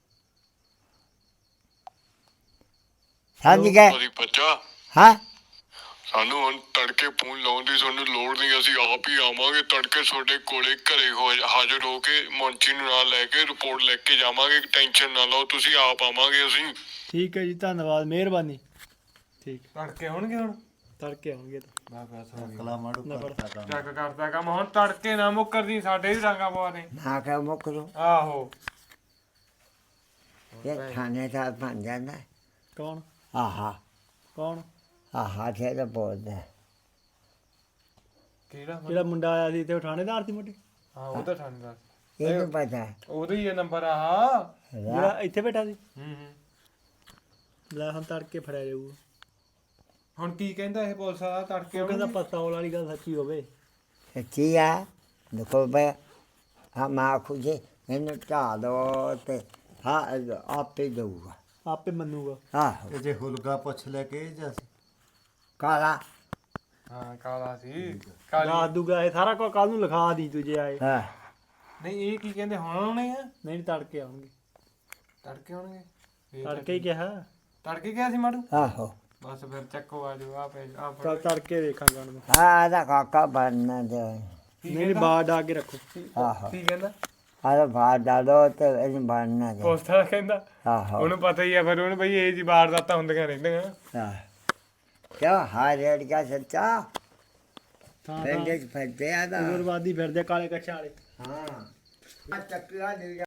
ਸਮਝ ਗਏ ਉਹਦੀ ਬੱਚਾ ਹਾਂ ਸਾਨੂੰ ਹੁਣ ਤੜਕੇ ਫੋਨ ਲਾਉਣ ਦੀ ਸਾਨੂੰ ਲੋੜ ਨਹੀਂ ਅਸੀਂ ਆਪ ਹੀ ਆਵਾਂਗੇ ਤੜਕੇ ਤੁਹਾਡੇ ਕੋਲੇ ਘਰੇ ਹੋ ਹਾਜ਼ਰ ਹੋ ਕੇ ਮੁੰਚੀ ਨੂੰ ਨਾਲ ਲੈ ਕੇ ਰਿਪੋਰਟ ਲੈ ਕੇ ਜਾਵਾਂਗੇ ਟੈਨਸ਼ਨ ਨਾ ਲਓ ਤੁਸੀਂ ਆਪ ਆਵਾਂਗੇ ਅਸੀਂ ਠੀਕ ਹੈ ਜੀ ਧੰਨਵਾਦ ਮਿਹਰਬਾਨੀ ਠੀਕ ਤੜਕੇ ਹੋਣਗੇ ਹੁਣ ਤੜਕੇ ਆਉਣਗੇ ਤਾਂ ਬਸ ਬਸ ਹੋ ਗਿਆ ਕਲਾ ਮਾੜੂ ਨਾ ਕਰਤਾ ਕੰਮ ਚੱਕ ਕਰਦਾ ਕੰਮ ਹੁਣ ਤੜਕੇ ਨਾ ਮੁੱਕਰਦੀ ਸਾਡੇ ਵੀ ਡਾਂਗਾ ਪਵਾ ਦੇ ਨਾ ਕਹਿ ਮੁਕਰੋ ਆਹੋ ਇਹ ਖਾਣੇ ਦਾ ਬਣ ਜਾਂਦਾ ਕੌਣ ਆਹਾ ਕੌਣ ਆਹਾ ਜਿਹੜਾ ਬੋਲਦਾ ਕਿਹੜਾ ਜਿਹੜਾ ਮੁੰਡਾ ਆਇਆ ਸੀ ਤੇ ਉਹ ਥਾਣੇਦਾਰ ਸੀ ਮੋਟੇ ਹਾਂ ਉਹ ਤਾਂ ਥਾਣੇਦਾਰ ਇਹਨੂੰ ਪਤਾ ਉਹਦਾ ਹੀ ਇਹ ਨੰਬਰ ਆ ਜਿਹੜਾ ਰਾ- ਇੱਥੇ ਬੈਠਾ ਸੀ ਹੂੰ ਹੂੰ ਲੈ ਹੁਣ ਤੜਕੇ ਫੜਿਆ ਜਾਊਗਾ ਹੁਣ ਕੀ ਕਹਿੰਦਾ ਇਹ ਪੁਲਿਸ ਵਾਲਾ ਤੜਕੇ ਉਹ ਕਹਿੰਦਾ ਪਸਤੌਲ ਵਾਲੀ ਗੱਲ ਸੱਚੀ ਹੋਵੇ ਸੱਚੀ ਆ ਦੇਖੋ ਬਈ ਹਾਂ ਮਾਂ ਖੁਜੇ ਇਹਨੂੰ ਢਾ ਦੋ ਤੇ ਹਾਂ ਆਪੇ ਦਊਗਾ ਆਪੇ ਮੰਨੂਗਾ ਆਹੋ ਇਹ ਜੇ ਹੁਲਗਾ ਪੁੱਛ ਲੈ ਕੇ ਜਾਂ ਕਾਲਾ ਹਾਂ ਕਾਲਾ ਸੀ ਕਾਲਾ ਦੂਗਾ ਇਹ ਸਾਰਾ ਕੁਝ ਕੱਲ ਨੂੰ ਲਿਖਾ ਦੀ ਤੂੰ ਜੇ ਆਏ ਹਾਂ ਨਹੀਂ ਇਹ ਕੀ ਕਹਿੰਦੇ ਹੁਣ ਆਉਣੇ ਆ ਨਹੀਂ ਤੜਕੇ ਆਉਣਗੇ ਤੜਕੇ ਆਉਣਗੇ ਤੜਕੇ ਹੀ ਕਿਹਾ ਤੜਕੇ ਕਿਹਾ ਸੀ ਮਾੜੂ ਆਹੋ ਬਸ ਫਿਰ ਚੱਕੋ ਆ ਜਾਓ ਆ ਪੈ ਆ ਚੱਲ ਤੜਕੇ ਦੇਖਾਂਗੇ ਹੁਣ ਹਾਂ ਇਹਦਾ ਕਾਕਾ ਬਣਨਾ ਦੇ ਨਹੀਂ ਨਹੀਂ ਬਾਹਰ ਡਾ ਕੇ ਰੱਖੋ ਆਹੋ ਕੀ ਕਹਿੰਦਾ ਆਹ ਬਾਹਰ ਡਾਲੋ ਤੇ ਇਹਨੂੰ ਬਣਨਾ ਦੇ ਪੋਸਟ ਵਾਲਾ ਕਹਿੰਦਾ ਆਹੋ ਉਹਨੂੰ ਪਤਾ ਹੀ ਆ ਫਿਰ ਉਹਨੂੰ ਬਈ ਇਹ ਜੀ ਵਾਰਦਾਤਾਂ ਹੁੰਦੀਆਂ ਰਹਿੰਦੀਆਂ ਹਾਂ ਕਿਆ ਹਾਰ ਰੇੜ ਗਿਆ ਸੱਚਾ ਹਾਂ ਪਿੰਡ ਚ ਫਿਰਦੇ ਆ ਦਾ ਉਗਰਵਾਦੀ ਫਿਰਦੇ ਕਾਲੇ ਕੱਛਾਂ ਵਾਲੇ ਹਾਂ ਆ ਚੱਕਿਆ ਨਹੀਂ